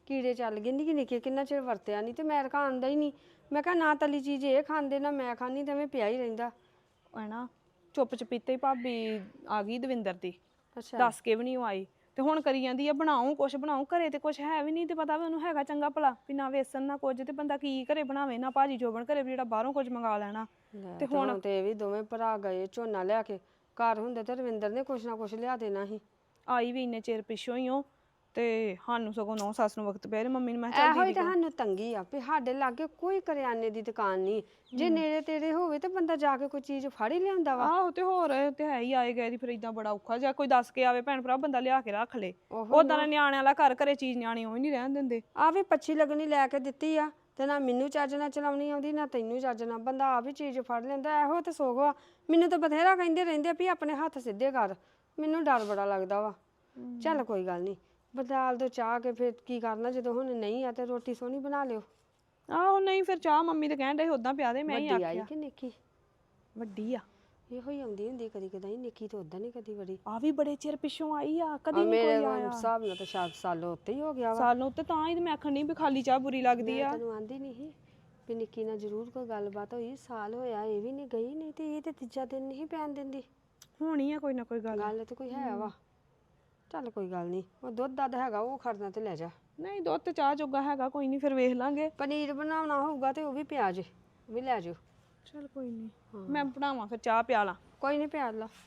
ਕੀੜੇ ਚੱਲ ਗਏ ਨਿੱਕੇ ਨਿੱਕੇ, ਕਿੰਨਾ ਚਿਰ ਵਰਤਿਆ ਨਹੀਂ ਤੇ ਮੈਂ ਤਾਂ ਖਾਂਦਾ ਹੀ ਨਹੀਂ। ਮੈਂ ਕਿਹਾ ਨਾ ਤਲੀ ਚੀਜ਼ ਇਹ ਖਾਂਦੇ ਨਾ ਮੈਂ ਖਾਂਦੀ, ਤੇ ਐਵੇਂ ਪਿਆ ਹੀ ਰਹਿੰਦਾ।
ਹੈ ਨਾ ਚੁੱਪ ਚਪੀਤੇ ਹੀ ਭਾਬੀ ਆ ਗਈ ਦਵਿੰਦਰ ਦੀ,
ਅੱਛਾ
ਦੱਸ ਕੇ ਵੀ ਨਹੀਂ ਉਹ ਆਈ ਤੇ ਹੁਣ ਕਰੀ ਜਾਂਦੀ ਆ ਬਣਾਉ ਕੁਛ ਬਣਾਉ। ਘਰੇ ਤੇ ਕੁਛ ਹੈ ਵੀ ਨਹੀਂ, ਤੇ ਪਤਾ ਵੀ ਉਹਨੂੰ ਹੈਗਾ ਚੰਗਾ ਭਲਾ ਵੀ ਨਾ ਵੇਸਣ ਨਾ ਕੁਝ, ਤੇ ਬੰਦਾ ਕੀ ਘਰੇ ਬਣਾਵੇ, ਨਾ ਭਾਜੀ ਜੋਬਨ ਘਰੇ ਵੀ ਜਿਹੜਾ ਬਾਹਰੋਂ ਕੁਝ ਮੰਗਾ ਲੈਣਾ।
ਤੇ ਹੁਣ ਤੇ ਇਹ ਵੀ ਦੋਵੇਂ ਭਰਾ ਗਏ ਝੋਨਾ ਲਿਆ ਕੇ, ਘਰ ਹੁੰਦੇ ਤੇ ਰਵਿੰਦਰ ਨੇ ਕੁਛ ਨਾ ਕੁਛ ਲਿਆ ਦੇਣਾ ਸੀ।
ਆਈ ਵੀ ਇੰਨੇ ਚਿਰ ਪਿੱਛੋਂ ਹੀ ਉਹ, ਤੇ ਸਾਨੂੰ ਸਗੋਂ ਨੌ ਸੱਸ ਨੂੰ ਵਕਤ ਪਿਆ ਤੇ ਮੰਮੀ ਨੇ ਮੈਂ ਕਿਹਾ ਚੱਲ
ਇਹੋ ਹੀ
ਦੀਦੀ
ਤਾਂ ਸਾਨੂੰ ਤੰਗੀ ਆ ਵੀ ਸਾਡੇ ਲਾਗੇ ਕੋਈ ਕਰਿਆਨੇ ਦੀ ਦੁਕਾਨ ਨਹੀਂ। ਜੇ ਨੇੜੇ ਤੇੜੇ ਹੋਵੇ ਤੇ ਬੰਦਾ ਜਾ ਕੇ ਕੋਈ ਚੀਜ਼ ਫੜ ਹੀ ਲਿਆਉਂਦਾ ਵਾ।
ਆਹੋ ਤੇ ਹੋਰ ਇਹ ਤੇ ਹੈ ਹੀ, ਆਏ ਗਏ ਦੀ ਫਿਰ ਇਦਾਂ ਬੜਾ ਔਖਾ, ਜਾਂ ਕੋਈ ਦੱਸ ਕੇ ਆਵੇ ਭੈਣ ਭਰਾ ਬੰਦਾ ਲਿਆ ਕੇ ਰੱਖ ਲੇ। ਉਦਾਂ ਦੇ ਨਿਆਣਿਆਂ ਵਾਲਾ ਘਰ ਘਰੇ ਚੀਜ਼ ਨਿਆਣੇ ਉਹ ਹੀ ਨਹੀਂ ਰਹਿਣ ਦਿੰਦੇ।
ਆ ਵੀ ਪੱਛੀ ਲੱਗਣੀ ਲੈ ਕੇ ਦਿੱਤੀ ਆ, ਤੇ ਨਾ ਮੈਨੂੰ ਚੱਜ ਨਾਲ ਚਲਾਉਣੀ ਆਉਂਦੀ ਨਾ ਤੈਨੂੰ ਚੱਜ ਨਾਲ, ਬੰਦਾ ਆਪ ਹੀ ਚੀਜ਼ ਫੜ ਲੈਂਦਾ। ਇਹੋ ਤੇ ਸੋਖ ਵਾ। ਮੈਨੂੰ ਤਾਂ ਬਥੇਰਾ ਕਹਿੰਦੇ ਰਹਿੰਦੇ ਵੀ ਆਪਣੇ ਹੱਥ ਸਿੱਧੇ ਕਰ, ਮੈਨੂੰ ਡਰ ਬੜਾ ਲੱਗਦਾ ਵਾ। ਚੱਲ ਕੋਈ ਗੱਲ ਨਹੀਂ, ਬਦਾਲ ਦੋ ਚਾਹ ਕੇ ਫਿਰ ਕੀ ਕਰਨਾ, ਜਦੋਂ ਹੁਣ ਨਹੀਂ ਆ ਤੇ ਰੋਟੀ ਸੋਹਣੀ ਬਣਾ ਲਿਓ।
ਆਹੋ ਨਹੀਂ ਫਿਰ ਚਾਹ ਮੰਮੀ ਤੇ ਕਹਿਣ ਡੇ ਉਦਾਂ ਪਿਆ ਦੇ, ਮੈਂ ਹੀ
ਵੱਡੀ ਆਈ
ਆਖਿਆ
ਕਿ ਨਿੱਕੀ?
ਵੱਡੀ ਆ।
ਇਹੋ ਹੀ ਆਉਂਦੀ ਹੁੰਦੀ ਕਦੀ ਕਦਾਈ, ਨਿੱਕੀ ਤਾਂ ਉਦਾਂ ਨਹੀਂ ਕਦੀ ਵੜੀ।
ਆ ਵੀ ਬੜੇ ਚਿਰ ਪਿੱਛੋਂ ਆਈ ਆ, ਕਦੀ ਨਹੀਂ
ਮੇਰੇ
ਕੋਈ ਆਇਆ।
ਹਿਸਾਬ ਨਾਲ ਤਾਂ ਸ਼ਾਇਦ ਸਾਲ ਉੱਤੇ ਹੀ ਹੋ ਗਿਆ ਵਾ।
ਸਾਨੂੰ ਤੇ ਤਾਂ ਹੀ ਤੇ ਮੈਂ ਆਖਣ ਨਹੀਂ ਵੀ ਖਾਲੀ ਚਾਹ ਬੁਰੀ ਲੱਗਦੀ ਆ।
ਤੈਨੂੰ ਆਂਦੀ ਨਹੀਂ ਸੀ ਵੀ ਨਿੱਕੀ ਨਾਲ ਜ਼ਰੂਰ ਕੋਈ ਗੱਲਬਾਤ ਹੋਈ, ਸਾਲ ਹੋਇਆ ਇਹ ਵੀ ਨਹੀਂ ਗਈ, ਨਹੀਂ ਤੇ ਇਹ ਤੇ ਤੀਜਾ ਦਿਨ ਨਹੀਂ ਪੈਣ ਦਿੰਦੀ।
ਹੋਣੀ ਆ ਕੋਈ ਨਾ ਕੋਈ ਗੱਲ।
ਗੱਲ ਤੇ ਕੋਈ ਹੈ ਵਾ। ਚੱਲ ਕੋਈ ਗੱਲ ਨਹੀਂ, ਉਹ ਦੁੱਧ ਦੱਧ ਹੈਗਾ ਉਹ ਖੜਨਾ ਤੇ ਲੈ ਜਾ।
ਨਹੀਂ ਦੁੱਧ ਤੇ ਚਾਹ ਜੋਗਾ ਹੈਗਾ, ਕੋਈ ਨਹੀਂ ਫਿਰ ਵੇਖ ਲਾਂਗੇ।
ਪਨੀਰ ਬਣਾਉਣਾ ਹੋਊਗਾ ਤੇ ਉਹ ਵੀ ਪਿਆ ਜੇ, ਉਹ ਵੀ ਲੈ ਜਾਓ।
ਚਲ ਕੋਈ ਨਹੀਂ, ਮੈਂ ਬਣਾਵਾਂ ਫਿਰ ਚਾਹ ਪਿਆਲਾ।
ਕੋਈ ਨਹੀਂ ਪਿਆ ਲਾ।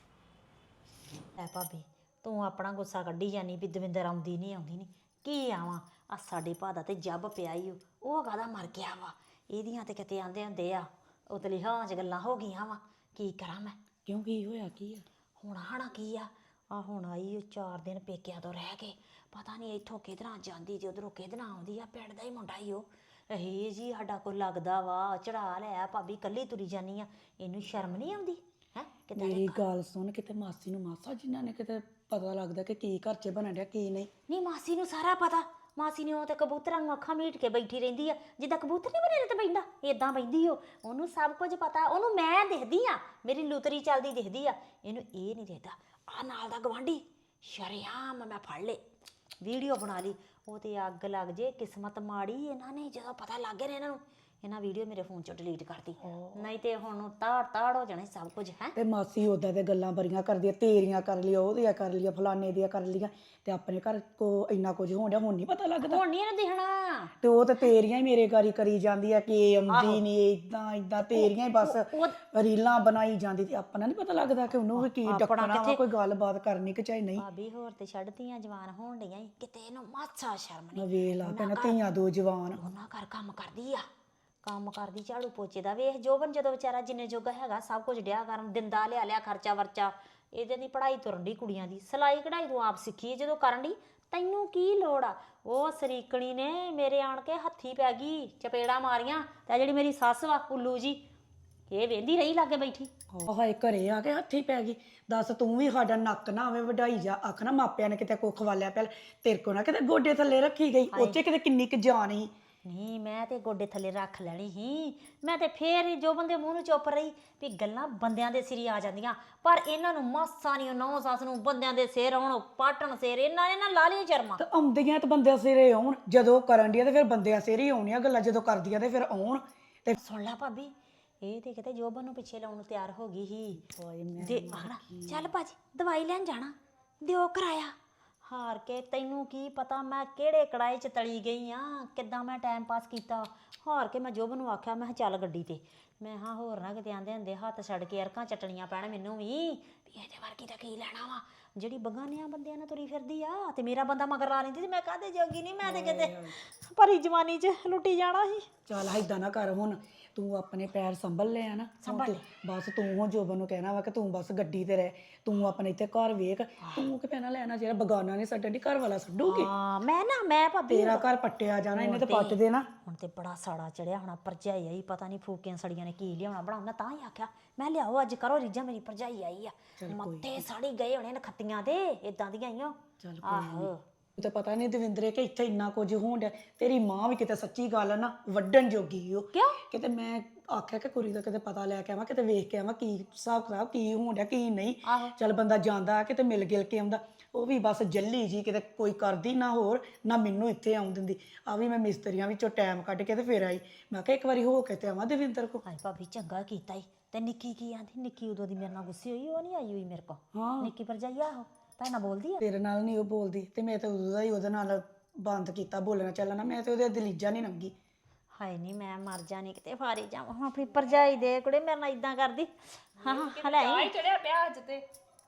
ਐ ਭਾਬੀ ਤੂੰ ਆਪਣਾ ਗੁੱਸਾ ਕੱਢੀ ਜਾਨੀ ਵੀ ਦਵਿੰਦਰ ਆਉਂਦੀ ਨਹੀਂ ਆਉਂਦੀ ਨਹੀਂ, ਕੀ ਆਵਾਂ ਆ ਸਾਡੇ ਭਾ ਦਾ ਤੇ ਜੱਬ ਪਿਆ ਈ ਓ, ਉਹ ਕਾਹਦਾ ਮਰ ਗਿਆ ਵਾ। ਇਹਦੀਆਂ ਤੇ ਕਿਤੇ ਆਂਦੇ ਹੁੰਦੇ ਆ ਉਤਲੀ ਹਾਂ ਚ ਗੱਲਾਂ ਹੋ ਗਈਆਂ ਵਾ। ਕੀ ਕਰਾਂ ਮੈਂ?
ਕਿਉਂ ਕੀ ਹੋਇਆ ਕੀ ਆ?
ਹੁਣ ਹਣਾ ਕੀ ਆ, ਆ ਹੁਣ ਆਈ ਓ ਚਾਰ ਦਿਨ ਪੇਕਿਆਂ ਤੋਂ ਰਹਿ ਕੇ, ਪਤਾ ਨਹੀਂ ਇੱਥੋਂ ਕਿਧਰਾਂ ਜਾਂਦੀ ਤੇ ਉਧਰੋਂ ਕਿਧਰਾਂ ਆਉਂਦੀ ਆ। ਪਿੰਡ ਦਾ ਹੀ ਮੁੰਡਾ ਈ ਉਹ। ਇਹ ਜੀ ਸਾਡਾ ਕੋਈ ਲੱਗਦਾ ਵਾ ਚੜਾ ਲਿਆ ਭਾਬੀ, ਕੱਲੀ ਤੁਰੀ ਜਾਨੀ ਆ, ਇਹਨੂੰ ਸ਼ਰਮ ਨਹੀਂ ਆਉਂਦੀ ਹੈ ਕਿਤੇ?
ਮੇਰੀ ਗੱਲ ਸੁਣ, ਕਿਤੇ ਮਾਸੀ ਨੂੰ ਮਾਸਾ ਜਿਨ੍ਹਾਂ ਨੇ ਕਿਤੇ ਪਤਾ ਲੱਗਦਾ ਕਿ ਕੀ ਘਰ 'ਚ ਬਣਨ ਡਿਆ ਕੀ ਨਹੀਂ।
ਨਹੀਂ ਮਾਸੀ ਨੂੰ ਸਾਰਾ ਪਤਾ, ਮਾਸੀ ਨੇ ਉਹ ਤੇ ਕਬੂਤਰਾਂ ਨੂੰ ਅੱਖਾਂ ਮੀਟ ਕੇ ਬੈਠੀ ਰਹਿੰਦੀ ਆ, ਜਿੱਦਾਂ ਕਬੂਤਰ ਨਹੀਂ ਬਣੇ ਤੇ ਬੈਂਦਾ ਏਦਾਂ ਬੈਂਦੀ ਉਹ। ਉਹਨੂੰ ਸਭ ਕੁਝ ਪਤਾ, ਉਹਨੂੰ ਮੈਂ ਦਿਖਦੀ ਆ, ਮੇਰੀ ਲੁਤਰੀ ਚੱਲਦੀ ਦਿਖਦੀ ਆ, ਇਹਨੂੰ ਇਹ ਨਹੀਂ ਦਿਖਦਾ। ਆ ਨਾਲ ਦਾ ਗਵਾਂਢੀ ਸ਼ਰੇਆਮ ਮੈਂ ਫੜ ਲੇ, ਵੀਡੀਓ ਬਣਾ ਲਈ, ਉਹ ਤੇ ਅੱਗ ਲੱਗ ਜੇ। ਕਿਸਮਤ ਮਾੜੀ ਇਹਨਾਂ ਨੇ, ਜਦੋਂ ਪਤਾ ਲੱਗ ਗਿਆ ਨਾ ਇਹਨਾਂ ਨੂੰ, ਇਹਨਾਂ ਵੀਡੀਓ ਮੇਰੇ ਫੋਨ ਚੋਂ ਡਿਲੀਟ ਕਰਤੀ, ਨਹੀਂ ਤੇ ਹੁਣ ਤਾੜ ਤਾੜ ਹੋ ਜਾਣਾ ਸਭ ਕੁਝ ਹੈ।
ਤੇ ਮਾਸੀ ਉਦਾਂ ਤੇ ਗੱਲਾਂ ਬੜੀਆਂ ਕਰਦੀ ਆ, ਤੇਰੀਆਂ ਕਰ ਲਿਆ, ਉਹਦੀਆਂ ਕਰ ਲਿਆ, ਫਲਾਣੇ ਦੀਆਂ ਕਰ ਲਿਆ, ਤੇ ਆਪਣੇ ਘਰ ਕੋ ਇੰਨਾ ਕੁਝ ਹੋਣ ਡਿਆ, ਹੁਣ ਨਹੀਂ ਪਤਾ ਲੱਗਦਾ।
ਹੁਣ ਨਹੀਂ ਇਹਨੂੰ ਦਿਖਣਾ।
ਤੇ ਉਹ ਤੇ ਤੇਰੀਆਂ ਹੀ ਮੇਰੇ ਗਾਰੀ ਕਰੀ ਜਾਂਦੀ ਆ ਕਿ ਆਉਂਦੀ ਨਹੀਂ, ਇਦਾਂ ਇਦਾਂ ਤੇਰੀਆਂ ਹੀ ਬਸ ਰੀਲਾਂ ਬਣਾਈ ਜਾਂਦੀ, ਤੇ ਆਪਣਾ ਨਹੀਂ ਪਤਾ ਲੱਗਦਾ ਕਿ ਉਹਨੂੰ ਵੀ ਕੀ ਡੱਕਣਾ ਵਾ, ਕੋਈ ਗੱਲਬਾਤ ਕਰਨੀ ਕਿ ਚਾਹੇ ਨਹੀਂ।
ਭਾਬੀ ਹੋਰ ਤੇ ਛੱਡਤੀਆਂ ਜਵਾਨ ਹੋਣ ਡਈਆਂ ਈ, ਕਿਤੇ ਇਹਨੂੰ ਮਾਸਾ ਸ਼ਰਮ ਨਹੀਂ।
ਵੇਖ ਲਾ ਭੈਣਾ, ਧੀਆਂ ਦੋ ਜਵਾਨ।
ਉਹਨਾਂ ਘਰ ਕੰਮ ਕਰਦੀ ਆ, ਕੰਮ ਕਰਦੀ ਝਾੜੂ ਪੋਚੇ ਦਾ। ਵੇਖ ਜੋਬਨ ਜਦੋਂ ਵਿਚਾਰਾ ਜਿੰਨੇ ਜੋਗਾ ਹੈਗਾ ਸਭ ਕੁਝ ਡਿਆ ਕਰਨ, ਦਿੰਦਾ ਲਿਆ ਲਿਆ ਖਰਚਾ ਵਰਚਾ। ਇਹਦੇ ਦੀ ਪੜ੍ਹਾਈ ਤੁਰਨ ਦੀ ਕੁੜੀਆਂ ਦੀ, ਸਿਲਾਈ ਕਢਾਈ ਤੂੰ ਆਪ ਸਿੱਖੀ ਜਦੋਂ ਕਰਨ ਦੀ, ਤੈਨੂੰ ਕੀ ਲੋੜ ਆ? ਉਹ ਸਰੀਕਣੀ ਨੇ ਮੇਰੇ ਆਣ ਕੇ ਹੱਥੀ ਪੈ ਗਈ, ਚਪੇੜਾ ਮਾਰੀਆਂ। ਤੇ ਜਿਹੜੀ ਮੇਰੀ ਸੱਸ ਵਾ ਉੱਲੂ ਜੀ, ਇਹ ਵੇਂਦੀ ਰਹੀ ਲਾਗੇ ਬੈਠੀ।
ਹਾਏ ਘਰੇ ਆ ਕੇ ਹੱਥੀ ਪੈ ਗਈ। ਦੱਸ ਤੂੰ ਵੀ ਸਾਡਾ ਨੱਕ ਨਾ ਆਵੇ ਵਢਾਈ ਜਾ, ਆਖ ਨਾ ਮਾਪਿਆਂ ਨੇ ਕਿਤੇ ਕੁੱਖ ਵਾਲਿਆ ਪਹਿਲ, ਤੇਰੇ ਕੋ ਨਾ ਕਿਤੇ ਗੋਡੇ ਥੱਲੇ ਰੱਖੀ ਗਈ, ਉੱਚੇ ਕਿਤੇ ਕਿੰਨੀ ਕੁ ਜਾਨ ਸੀ।
ਨਹੀਂ ਮੈਂ ਤੇ ਗੋਡੇ ਥੱਲੇ ਰੱਖ ਲੈਣੀ ਸੀ, ਮੈਂ ਤੇ ਫੇਰ ਜੋ ਬੰਦੇ ਮੂੰਹ ਨੂੰ ਚੁੱਪ ਰਹੀ ਵੀ ਗੱਲਾਂ ਬੰਦਿਆਂ ਦੇ ਸਿਰ ਆ ਜਾਂਦੀਆਂ, ਪਰ ਇਹਨਾਂ ਨੂੰ ਮਾਸਾ ਨਹੀਂ, ਨੌ ਸੱਸ ਨੂੰ ਬੰਦਿਆਂ ਦੇ ਸਿਰ ਆਉਣ, ਪਾਟਣ ਸਿਰ, ਇਹਨਾਂ ਨੇ ਨਾ ਲਾ ਲਈ ਸ਼ਰਮਾਂ।
ਤੇ ਆਉਂਦੀਆਂ ਤੇ ਬੰਦਿਆਂ ਸਿਰੇ ਆਉਣ, ਜਦੋਂ ਕਰਨ ਦੀਆਂ ਤੇ ਫਿਰ ਬੰਦਿਆਂ ਸਿਰੇ ਹੀ ਆਉਣੀਆਂ ਗੱਲਾਂ, ਜਦੋਂ ਕਰਦੀਆਂ ਤੇ ਫਿਰ ਆਉਣ। ਤੇ
ਸੁਣ ਲੈ ਭਾਬੀ, ਇਹ ਤੇ ਕਿਤੇ ਜੋਬਨ ਨੂੰ ਪਿੱਛੇ ਲਾਉਣ ਨੂੰ ਤਿਆਰ ਹੋ ਗਈ ਸੀ। ਦੇ ਆਖਣਾ ਚੱਲ ਭਾਜੀ ਦਵਾਈ ਲੈਣ ਜਾਣਾ, ਦਿਓ ਕਰਾਇਆ। ਹਾਰ ਕੇ ਤੈਨੂੰ ਕੀ ਪਤਾ ਮੈਂ ਕਿਹੜੇ ਕੜਾਏ 'ਚ ਤਲੀ ਗਈ ਆ, ਕਿੱਦਾਂ ਮੈਂ ਟਾਈਮ ਪਾਸ ਕੀਤਾ। ਹਾਰ ਕੇ ਮੈਂ ਜੋਬਨ ਨੂੰ ਆਖਿਆ, ਮੈਂ ਚੱਲ ਗੱਡੀ ਤੇ, ਮੈਂ ਹਾਂ ਹੋਰ ਨਾ ਕਿਤੇ ਆਂਦੇ ਹੁੰਦੇ ਹੱਥ ਛੱਡ ਕੇ ਅਰਕਾਂ ਚੱਟਣੀਆਂ ਪੈਣ ਮੈਨੂੰ ਵੀ, ਵੀ ਇਹਦੇ ਵਰਗੀ ਤਾਂ ਕੀ ਲੈਣਾ ਵਾ, ਜਿਹੜੀ ਬਗਾਨਿਆਂ ਬੰਦਿਆਂ ਨਾਲ ਤੁਰੀ ਫਿਰਦੀ ਆ। ਤੇ ਮੇਰਾ ਬੰਦਾ ਮਗਰ ਲਾ ਲੈਂਦੀ ਤੇ ਮੈਂ ਕਾਹਦੇ ਜੋਗੀ ਨਹੀਂ, ਮੈਂ ਤੇ ਕਿਤੇ ਭਰੀ ਜਵਾਨੀ 'ਚ ਲੁੱਟੀ ਜਾਣਾ ਸੀ।
ਚੱਲ ਏਦਾਂ ਨਾ ਕਰ, ਹੁਣ ਤੂੰ ਆਪਣੇ ਪੈਰ ਸੰਭਲ ਲਿਆ ਨਾ, ਹੁਣ ਤੂੰ ਬਸ ਤੂੰ ਹੁਣ ਜੋਬਨ ਨੂੰ ਕਹਿਣਾ ਵਾ ਕਿ ਤੂੰ ਬਸ ਗੱਡੀ ਤੇ ਰਹਿ, ਤੂੰ ਆਪਣੇ ਇੱਥੇ ਘਰ ਵੇਖ, ਤੂੰ ਕਿ ਪੈਣਾ ਲੈਣਾ, ਜਿਹੜਾ ਬਗਾਨਾ ਨੇ ਛੱਡਣ ਦੀ ਘਰ ਵਾਲਾ ਛੱਡੂਗੀ।
ਹਾਂ ਮੈਂ ਨਾ ਮੈਂ ਭਾਬੀ
ਤੇਰਾ ਘਰ ਪੱਟਿਆ ਜਾਣਾ, ਇਹਨੇ ਤੇ ਪੱਟ ਦੇਣਾ।
ਹੁਣ ਤੇ ਬੜਾ ਸਾੜਾ ਚੜਿਆ ਹੋਣਾ, ਭਰਜਾਈ ਆਈ, ਪਤਾ ਨਹੀਂ ਫੂਕੀਆਂ ਸੜੀਆਂ ਨੇ ਕੀ ਲਿਆਉਣਾ ਬਣਾਉਣਾ, ਤਾਂ ਹੀ ਆਖਿਆ ਮੈਂ ਲਿਆਓ ਅੱਜ ਕਰੋ ਰੀਝਾਂ, ਮੇਰੀ ਭਰਜਾਈ ਆਈ ਆ, ਮੱਥੇ ਸਾੜੀ ਗਏ ਹੋਣੇ ਨਖੱਤੀਆਂ ਦੇ, ਇਦਾਂ ਦੀਆਂ ਹੀ ਆ।
ਚੱਲ
ਆਹੋ
ਤੇ ਪਤਾ ਨਹੀਂ ਦਵਿੰਦਰੇ ਕਿ ਇੱਥੇ ਇੰਨਾ ਕੁਝ ਹੋਣ ਡਿਆ। ਤੇਰੀ ਮਾਂ ਵੀ ਕਿਤੇ ਸੱਚੀ ਗੱਲ ਨਾ ਵੱਢਣ ਜੋਗੀ ਉਹ
ਕਿਉਂ?
ਕਿਤੇ ਮੈਂ ਆਖਿਆ ਕਿ ਕੁੜੀ ਦਾ ਕਿਤੇ ਪਤਾ ਲੈ ਕੇ ਆਵਾਂ, ਕਿਤੇ ਵੇਖ ਕੇ ਆਵਾਂ ਕੀ ਹਿਸਾਬ ਕਿਤਾਬ ਕੀ ਹੋਣ ਡਿਆ ਕੀ ਨਹੀਂ। ਚੱਲ ਬੰਦਾ ਜਾਂਦਾ ਕਿਤੇ ਮਿਲ ਗਿਲ ਕੇ ਆਉਂਦਾ, ਉਹ ਵੀ ਬਸ ਜੱਲੀ ਜੀ ਕਿਤੇ ਕੋਈ ਕਰਦੀ ਨਾ ਹੋਰ ਨਾ ਮੈਨੂੰ ਇੱਥੇ ਆਉਣ ਦਿੰਦੀ। ਆ ਵੀ ਮੈਂ ਮਿਸਤਰੀਆਂ ਵਿੱਚੋਂ ਟਾਈਮ ਕੱਢ ਕੇ ਤੇ ਫਿਰ ਆਈ। ਮੈਂ ਕਿਹਾ ਇੱਕ ਵਾਰੀ ਹੋ ਕੇ ਤੇ ਆਵਾਂ ਦਵਿੰਦਰ ਕੋ।
ਹਾਏ ਭਾਬੀ ਚੰਗਾ ਕੀਤਾ ਈ। ਤੇ ਨਿੱਕੀ ਕੀ ਆਂਦੀ? ਨਿੱਕੀ ਉਦੋਂ ਦੀ ਮੇਰੇ ਨਾਲ ਗੁੱਸੇ ਹੋਈ, ਉਹ ਨਹੀਂ ਆਈ ਹੋਈ ਮੇਰੇ ਕੋਲ।
ਹਾਂ
ਨਿੱਕੀ ਭਰਜਾਈ ਆਹੋ ਤਾਂ ਨਾ ਬੋਲਦੀ ਆ।
ਤੇਰੇ ਨਾਲ ਨਹੀਂ ਉਹ ਬੋਲਦੀ ਤੇ ਮੈਂ ਤਾਂ ਉਦੋਂ ਦਾ ਹੀ ਉਹਦੇ ਨਾਲ ਬੰਦ ਕੀਤਾ ਬੋਲਣਾ ਚੱਲਣਾ। ਮੈਂ ਤੇ ਉਹਦੇ ਦਲੀਜਾ ਨਹੀਂ ਲੰਗੀ।
ਹਾਏ ਨਹੀਂ ਮੈਂ ਮਰ ਜਾਣੀ ਕਿਤੇ ਫਾਰੀ ਜਾਵਾਂ ਹੁਣ ਆਪਣੀ ਭਰਜਾਈ ਦੇ ਕੁੜੇ ਮੇਰੇ ਨਾਲ ਇਦਾਂ ਕਰਦੀ। ਹਾਂ ਹਾਂ ਲੈ ਆਈ
ਚੜਿਆ ਪਿਆ ਅੱਜ ਤੇ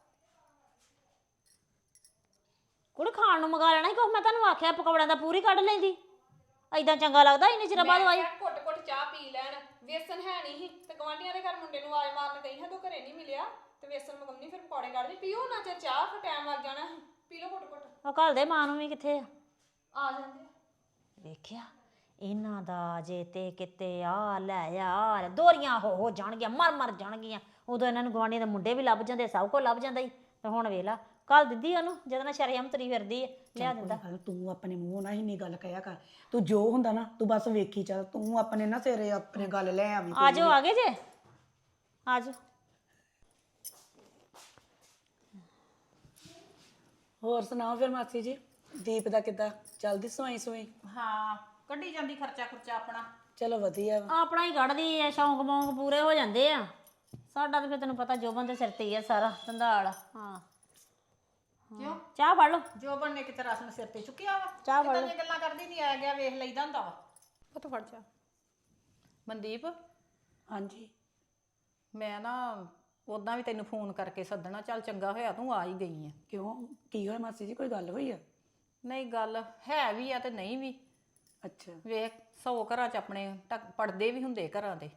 ਕੁੜੇ ਖਾਣ ਨੂੰ ਮੰਗਾ ਲੈਣਾ ਸੀ ਕੁਛ। ਮੈਂ ਤੁਹਾਨੂੰ ਆਖਿਆ ਪਕੌੜਿਆਂ ਦਾ ਪੂਰੀ ਕੱਢ ਲੈਂਦੀ। ਐਦਾਂ ਚੰਗਾ ਲੱਗਦਾ ਇੰਨੇ ਚਿਰ ਬਾਅਦ ਆਈ।
ਘੁੱਟ ਘੁੱਟ ਚਾਹ ਪੀ ਲੈਣ। ਵੇਸਣ ਹੈ ਨਹੀਂ ਸੀ ਤੇ ਗਵਾਂਢੀਆਂ ਦੇ ਘਰ ਮੁੰਡੇ ਨੂੰ ਆਵਾਜ਼ ਮਾਰਨ ਗਈ ਹਾਂ ਤੂੰ ਘਰੇ ਨਹੀਂ ਮਿਲਿਆ ਤੇ ਵੇਸਣ ਮਗਮਨੀ ਫਿਰ ਪਕੌੜੇ ਕੱਢਦੀ। ਪੀਓ ਨਾ ਚਿਰ ਚਾਹ, ਫਿਰ ਟਾਈਮ ਲੱਗ ਜਾਣਾ ਸੀ। ਪੀ ਲਓ ਘੁੱਟ ਘੁੱਟ।
ਉਹ ਘੱਲ ਦੇ ਮਾਂ ਨੂੰ ਵੀ ਕਿੱਥੇ ਆ।
ਆ ਜਾਂਦੇ
ਵੇਖਿਆ ਇਹਨਾਂ ਦਾ ਜੇ ਤੇ ਕਿਤੇ ਆ ਲੈ ਆ ਦੋਰੀਆਂ ਹੋ ਹੋ ਜਾਣਗੀਆਂ, ਮਰ ਮਰ ਜਾਣਗੀਆਂ। ਉਦੋਂ ਇਹਨਾਂ ਨੂੰ ਗਵਾਂਢੀਆਂ ਦੇ ਮੁੰਡੇ ਵੀ ਲੱਭ ਜਾਂਦੇ, ਸਭ ਕੁਝ ਲੱਭ ਜਾਂਦਾ ਹੀ। ਤੇ ਹੁਣ ਵੇਖ ਲਾ ਕੱਲ ਦਿੱਦੀ ਉਹਨੂੰ ਜਦੋਂ ਨਾਲ ਸ਼ਰੇਆਮ ਤੁਰੀ ਫਿਰਦੀ ਹੈ ਲਿਆ ਦਿੰਦਾ।
ਗੱਲ ਤੂੰ ਆਪਣੇ ਮੂੰਹ ਨਾਲ ਇੰਨੀ ਗੱਲ ਕਹਿਆ ਕਰ। ਤੂੰ ਜੋ ਹੁੰਦਾ ਨਾ ਤੂੰ ਬਸ ਵੇਖੀ ਚੱਲ। ਤੂੰ ਆਪਣੇ ਨਾ ਸਿਰੇ ਆਪਣੇ ਗੱਲ ਲੈ ਆਵੀਂ।
ਆ ਜਾਓ ਆ ਗਏ ਜੇ ਆ ਜਾਓ।
ਹੋਰ ਸੁਣਾਓ ਫਿਰ ਮਾਸੀ ਜੀ, ਦੀਪ ਦਾ ਕਿੱਦਾਂ ਚੱਲਦੀ ਸਵਾਈ ਸਵਾਈ?
ਹਾਂ ਕੱਢੀ ਜਾਂਦੀ ਖਰਚਾ ਖੁਰਚਾ ਆਪਣਾ।
ਚਲੋ ਵਧੀਆ ਵਾ।
ਆਪਣਾ ਹੀ ਕੱਢਦੀ ਐ, ਸ਼ੌਂਕ ਮੌਂਕ ਪੂਰੇ ਹੋ ਜਾਂਦੇ ਆ। ਸਾਡਾ ਤਾਂ ਫਿਰ ਤੈਨੂੰ ਪਤਾ ਜੋਬਨ ਦੇ ਸਿਰ ਤੇ ਹੀ ਆ ਸਾਰਾ ਧੰਦਾਲ। ਹਾਂ
ਕਿਉਂ?
ਚਾਹ ਫੜ ਲਓ।
ਜੋਬਨ ਨੇ ਕਿਤੇ ਰਸਮ ਸਿਰ ਤੇ ਚੁੱਕਿਆ ਵਾ।
ਚਾਹ ਫੜ
ਕਿਦਾਂ ਦੀਆਂ ਗੱਲਾਂ ਕਰਦੀ ਨਹੀਂ ਆ ਗਿਆ ਵੇਖ ਲਈਦਾ ਹੁੰਦਾ ਵਾ।
ਪੁੱਤ ਫੜ ਜਾ।
ਮਨਦੀਪ
ਹਾਂਜੀ
ਮੈਂ ਨਾ ਉਦਾਂ ਵੀ ਤੈਨੂੰ ਫੋਨ ਕਰਕੇ ਸੱਦਣਾ, ਚੱਲ ਚੰਗਾ ਹੋਇਆ ਤੂੰ ਆ ਹੀ ਗਈ ਆ।
ਕਿਉਂ ਕੀ ਹੋਇਆ ਮਾਸੀ ਜੀ, ਕੋਈ ਗੱਲ ਹੋਈ ਆ?
ਨਹੀਂ ਗੱਲ ਹੈ ਵੀ ਆ ਤੇ ਨਹੀਂ ਵੀ।
ਅੱਛਾ
ਵੇਖ ਸੌ ਘਰਾਂ 'ਚ ਆਪਣੇ ਪੜਦੇ ਵੀ ਹੁੰਦੇ ਘਰਾਂ ਦੇ,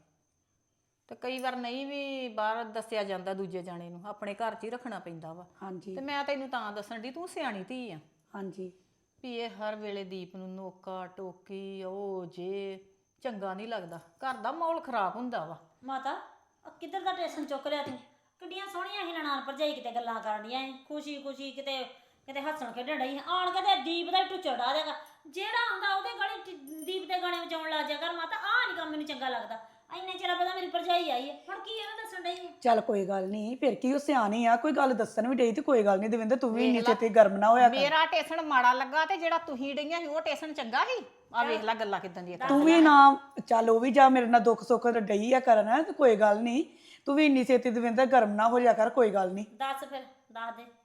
ਤੇ ਕਈ ਵਾਰ ਨਹੀਂ ਵੀ ਬਾਹਰ ਦੱਸਿਆ ਜਾਂਦਾ ਦੂਜੇ ਜਾਣੇ ਨੂੰ, ਆਪਣੇ ਘਰ 'ਚ ਹੀ ਰੱਖਣਾ ਪੈਂਦਾ ਵਾ।
ਹਾਂਜੀ
ਤੇ ਮੈਂ ਤੈਨੂੰ ਤਾਂ ਦੱਸਣ ਦੀ, ਤੂੰ ਸਿਆਣੀ ਧੀ ਆ
ਹਾਂਜੀ
ਵੀ ਇਹ ਹਰ ਵੇਲੇ ਦੀਪ ਨੂੰ ਨੋਕਾ ਟੋਕੀ ਉਹ ਜੇ ਚੰਗਾ ਨਹੀਂ ਲੱਗਦਾ। ਘਰ ਦਾ ਮਾਹੌਲ ਖਰਾਬ ਹੁੰਦਾ ਵਾ।
ਮਾਤਾ ਆਹ ਕਿੱਧਰ ਦਾ ਟੇਸ਼ਨ ਚੁੱਕ ਲਿਆ ਤੂੰ? ਕਿੱਡੀਆਂ ਸੋਹਣੀਆਂ ਸੀ ਨਨਾਣ ਭਰਜਾਈ ਕਿਤੇ ਗੱਲਾਂ ਕਰਦੀਆਂ ਐ ਖੁਸ਼ੀ ਖੁਸ਼ੀ ਕਿਤੇ ਕਿਤੇ ਹੱਸਣ ਖੇਡਣ ਡਈ ਆਣ ਕੇ ਤੇ ਦੀਪ ਦਾ ਹੀ ਟੁੱਚਾ ਡਾ ਦੇਗਾ। ਜਿਹੜਾ ਆਉਂਦਾ ਉਹਦੇ ਗਾਣੇ ਦੀਪ ਦੇ ਗਾਣੇ ਵਜਾਉਣ ਲੱਗ ਜਾ ਕਰ। ਮਾਤਾ ਆਹ ਨਹੀਂ ਕੰਮ ਮੈਨੂੰ ਚੰਗਾ ਲੱਗਦਾ। ਇੰਨੇ ਚਿਰ ਬਾਅਦ ਮੇਰੀ ਭਰਜਾਈ ਆਈ ਹੈ, ਹੁਣ ਕੀ ਇਹਨੂੰ ਦੱਸਣ ਡਈ ਹੈ?
ਚੱਲ ਕੋਈ ਗੱਲ ਨਹੀਂ, ਫਿਰ ਕੀ ਉਹ ਸਿਆਣੀ ਆ, ਕੋਈ ਗੱਲ ਦੱਸਣ ਵੀ ਡਈ ਤੇ ਕੋਈ ਗੱਲ ਨਹੀਂ। ਦਵਿੰਦਰ ਤੂੰ ਵੀ ਇੰਨੀ ਛੇਤੀ ਗਰਮ ਨਾ ਹੋਇਆ ਕਰ।
ਮੇਰਾ ਟੇਸ਼ਨ ਮਾੜਾ ਲੱਗਾ ਤੇ ਜਿਹੜਾ ਤੁਸੀਂ ਡਈਆਂ ਸੀ ਉਹ ਟੇਸ਼ਨ ਚੰਗਾ ਸੀ। ਆ ਵੇਖ ਲੈ ਗੱਲਾਂ ਕਿਦਾਂ ਦੀਆਂ।
ਤੂੰ ਵੀ ਨਾ ਚੱਲ ਉਹ ਵੀ ਜਾ ਮੇਰੇ ਨਾਲ ਦੁੱਖ ਸੁੱਖ ਡਈ ਆ ਕਰਨ ਤੇ ਕੋਈ ਗੱਲ ਨਹੀਂ। ਤੂੰ ਵੀ ਇੰਨੀ ਛੇਤੀ ਦਵਿੰਦਰ ਗਰਮ ਨਾ ਹੋ ਜਾ ਕਰ, ਕੋਈ ਗੱਲ ਨਹੀਂ।
ਦੱਸ ਫਿਰ ਦੱਸ ਦੇ।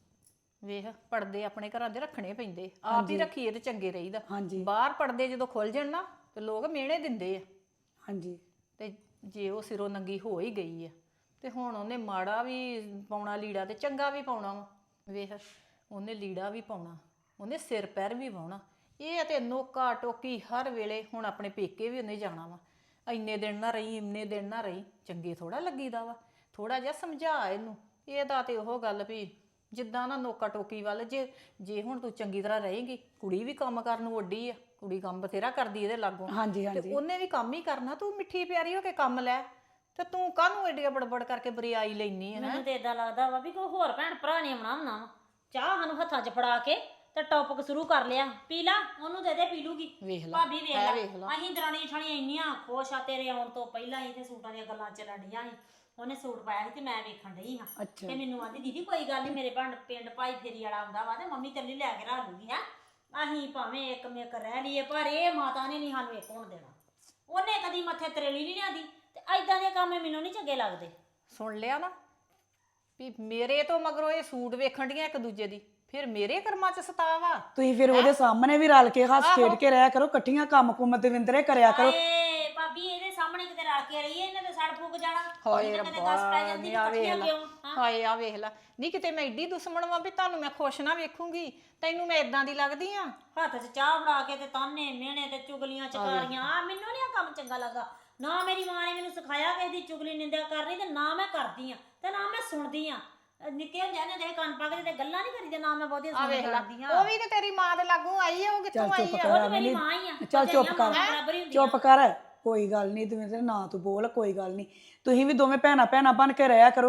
ਵੇਖ ਪੜਦੇ ਆਪਣੇ ਘਰਾਂ ਦੇ ਰੱਖਣੇ ਪੈਂਦੇ, ਆਪ ਹੀ ਰੱਖੀਏ ਤੇ ਚੰਗੇ ਰਹੀਦਾ।
ਹਾਂਜੀ
ਬਾਹਰ ਪੜਦੇ ਜਦੋਂ ਖੁੱਲ ਜਾਣ ਨਾ ਤੇ ਲੋਕ ਮਿਹਣੇ ਦਿੰਦੇ ਆ।
ਹਾਂਜੀ
ਤੇ ਜੇ ਉਹ ਸਿਰੋਂ ਨੰਗੀ ਹੋ ਹੀ ਗਈ ਆ ਤੇ ਹੁਣ ਉਹਨੇ ਮਾੜਾ ਵੀ ਪਾਉਣਾ ਲੀੜਾ ਤੇ ਚੰਗਾ ਵੀ ਪਾਉਣਾ ਵਾ। ਵੇਖ ਉਹਨੇ ਲੀੜਾ ਵੀ ਪਾਉਣਾ, ਉਹਨੇ ਸਿਰ ਪੈਰ ਵੀ ਵਾਹੁਣਾ। ਇਹ ਤੇ ਨੋਕਾ ਟੋਕੀ ਹਰ ਵੇਲੇ। ਹੁਣ ਆਪਣੇ ਪੇਕੇ ਵੀ ਉਹਨੇ ਜਾਣਾ ਵਾ, ਇੰਨੇ ਦਿਨ ਨਾ ਰਹੀ ਇੰਨੇ ਦਿਨ ਨਾ ਰਹੀ, ਚੰਗੇ ਥੋੜਾ ਲੱਗੀਦਾ ਵਾ। ਥੋੜਾ ਜਿਹਾ ਸਮਝਾ ਇਹਨੂੰ। ਇਹਦਾ ਤੇ ਉਹ ਗੱਲ ਵੀ ਜਿੱਦਾਂ ਨਾ ਨੋਕਾ ਟੋਕੀ ਵੱਲ ਜੇ ਜੇ ਹੁਣ ਤੂੰ ਚੰਗੀ ਤਰ੍ਹਾਂ ਰਹੇਂਗੀ, ਕੁੜੀ ਵੀ ਕੰਮ ਕਰਨ ਨੂੰ ਵੱਡੀ ਆ, ਕੁੜੀ ਕੰਮ ਬਥੇਰਾ ਕਰਦੀ ਇਹਦੇ ਲਾਗੋਂ।
ਹਾਂਜੀ
ਤੇ
ਹਾਂਜੀ
ਉਹਨੇ ਵੀ ਕੰਮ ਹੀ ਕਰਨਾ। ਤੂੰ ਮਿੱਠੀ ਪਿਆਰੀ ਹੋ ਕੇ ਕੰਮ ਲੈ ਤੇ ਤੂੰ ਕਾਹਨੂੰ ਏਡੀਆਂ ਬੜਬੜ ਕਰਕੇ ਬਰਿਆਈ ਲੈਣੀ ਹੈ?
ਮੈਨੂੰ ਤੇ ਇਦਾਂ ਲੱਗਦਾ ਵਾ ਵੀ ਕੋਈ ਹੋਰ ਭੈਣ ਭਰਾ ਨੇ ਆਉਣਾ ਹੁੰਦਾ ਵਾ। ਚਾਹ ਸਾਨੂੰ ਹੱਥਾਂ 'ਚ ਫੜਾ ਕੇ ਤੇ ਟੌਪਿਕ ਸ਼ੁਰੂ ਕਰ ਲਿਆ। ਪੀ ਲਾ ਉਹਨੂੰ ਦੇ ਦੇ ਪੀ ਲੂਗੀ।
ਵੇਖ ਲਾ
ਭਾਬੀ ਵੇਖ
ਹੈ
ਲਾ
ਵੇਖ ਲਾ।
ਅਸੀਂ ਦਰਾਣੀ ਜਠਾਣੀਆਂ ਇੰਨੀਆਂ ਖੁਸ਼ ਆ ਤੇਰੇ ਆਉਣ ਤੋਂ ਪਹਿਲਾਂ ਹੀ ਤੇ ਸੂਟਾਂ ਦੀਆਂ ਗੱਲਾਂ ਚੱਲਣ ਡੀਆਂ ਸੀ। ਉਹਨੇ ਸੂਟ ਪਾਇਆ ਸੀ ਤੇ ਮੈਂ ਵੇਖਣ ਡਈ ਹਾਂ
ਅੱਛਾ
ਤੇ ਮੈਨੂੰ ਆਂਦੀ ਦੀਦੀ ਕੋਈ ਗੱਲ ਨਹੀਂ, ਮੇਰੇ ਪਿੰਡ ਪਿੰਡ ਭਾਈ ਫੇਰੀ ਵਾਲਾ ਆਉਂਦਾ ਵਾ ਤੇ ਮੰਮੀ ਤੇਰੇ ਲਈ ਲੈ ਕੇ ਰੱਖ ਲੂਗੀ। ਹੈ ਅਸੀਂ ਭਾਵੇਂ ਇੱਕ ਮੇਕ ਰਹਿ ਲਈਏ ਪਰ ਇਹ ਮਾਤਾ ਨੇ ਨਹੀਂ ਸਾਨੂੰ ਇੱਕ ਹੋਣ ਦੇਣਾ। ਉਹਨੇ ਕਦੀ ਮੱਥੇ ਤਰੇਲੀ ਨਹੀਂ ਲਿਆਂਦੀ ਤੇ ਐਦਾਂ ਦੇ ਕੰਮ ਮੈਨੂੰ ਨਹੀਂ ਚੰਗੇ ਲੱਗਦੇ।
ਸੁਣ ਲਿਆ ਨਾ ਵੀ ਮੇਰੇ ਤੋਂ ਮਗਰੋਂ ਇਹ ਸੂਟ ਵੇਖਣ ਡੀਆਂ ਇੱਕ ਦੂਜੇ ਦੀ, ਫਿਰ ਮੇਰੇ ਕਰਮਾਂ 'ਚ ਸਤਾਵਾ।
ਤੁਸੀਂ ਫਿਰ ਉਹਦੇ ਸਾਹਮਣੇ ਵੀ ਰਲ ਕੇ ਹੱਸ ਖੇਡ ਕੇ ਰਹਿਆ ਕਰੋ, ਇਕੱਠੀਆਂ ਕੰਮ ਕੁੰਮ ਦਵਿੰਦਰੇ ਕਰਿਆ ਕਰੋ।
ਏ ਭਾਬੀ ਇਹਦੇ ਸਾਹਮਣੇ ਕਿਤੇ ਰਲ ਕੇ ਰਹੀਏ, ਇਹਨੇ ਤੇ ਸੜ ਫੁੱਕ ਜਾਣਾ।
ਹਾਏ
ਇਹਨੇ ਕਿਤੇ
ਰੱਬਾ
ਗਸ ਪੈ ਜਾਂਦੀ
ਨੀ ਆ ਵੇਖ
ਇਕੱਠੀਆਂ
ਲਾ।
ਕਿਉਂ? ਹਾਂ।
ਹਾਏ ਆ ਵੇਖ ਲਾ ਨਹੀਂ ਕਿਤੇ ਮੈਂ ਏਡੀ ਦੁਸ਼ਮਣ ਵਾਂ ਵੀ ਤੁਹਾਨੂੰ ਮੈਂ ਖੁਸ਼ ਨਾ ਵੇਖੂੰਗੀ, ਤੈਨੂੰ ਮੈਂ ਇਦਾਂ ਦੀ ਲੱਗਦੀ ਆ।
ਹੱਥ 'ਚ ਚਾਹ ਫੜਾ ਕੇ ਤੇ ਤਾਨੇ ਮਿਹਣੇ ਤੇ ਚੁਗਲੀਆਂ ਚਕਾਰੀਆਂ ਆ ਮੈਨੂੰ ਨਹੀਂ ਆ ਕੰਮ ਚੰਗਾ ਲੱਗਾ। ਨਾ ਮੇਰੀ ਮਾਂ ਨੇ ਮੈਨੂੰ ਸਿਖਾਇਆ ਕਿਸੇ ਦੀ ਚੁਗਲੀ ਨਿੰਦਿਆ ਕਰਨੀ ਤੇ ਨਾ ਮੈਂ ਕਰਦੀ ਆ ਤੇ ਨਾ ਮੈਂ ਸੁਣਦੀ ਆ। ਨਿੱਕੇ ਹੁੰਦਿਆਂ ਨੇ ਦੇ ਕੰਨ ਪਾ ਕੇ ਤੇ ਗੱਲਾਂ ਨਹੀਂ ਕਰੀਦੇ, ਨਾ ਮੈਂ ਬਹੁਤੀਆਂ
ਆ ਵੇਖ ਲਾ
ਸੁਣਦੀ ਆ।
ਉਹ ਵੀ ਤੇ ਤੇਰੀ ਮਾਂ ਦੇ ਲਾਗੋਂ ਆਈ ਆ, ਉਹ ਕਿੱਥੋਂ
ਚੱਲ
ਆਈ
ਚੁੱਪ
ਆ?
ਕਰ
ਉਹ ਤੇ ਮੇਰੀ
ਅਮਲੀ,
ਮਾਂ ਹੀ ਆ।
ਚੱਲ ਚੁੱਪ ਕਰ
ਬਰਾਬਰ ਹੀ ਹੁੰਦੀਆਂ।
ਚੁੱਪ ਕਰ, ਕੋਈ ਗੱਲ ਨਹੀਂ ਦਵਿੰਦਰ ਨਾ ਤੂੰ ਬੋਲ, ਕੋਈ ਗੱਲ ਨਹੀਂ। ਤੁਸੀਂ ਵੀ ਦੋਵੇਂ ਭੈਣਾਂ ਭੈਣਾਂ ਬਣ ਕੇ ਰਹਿਆ ਕਰੋ।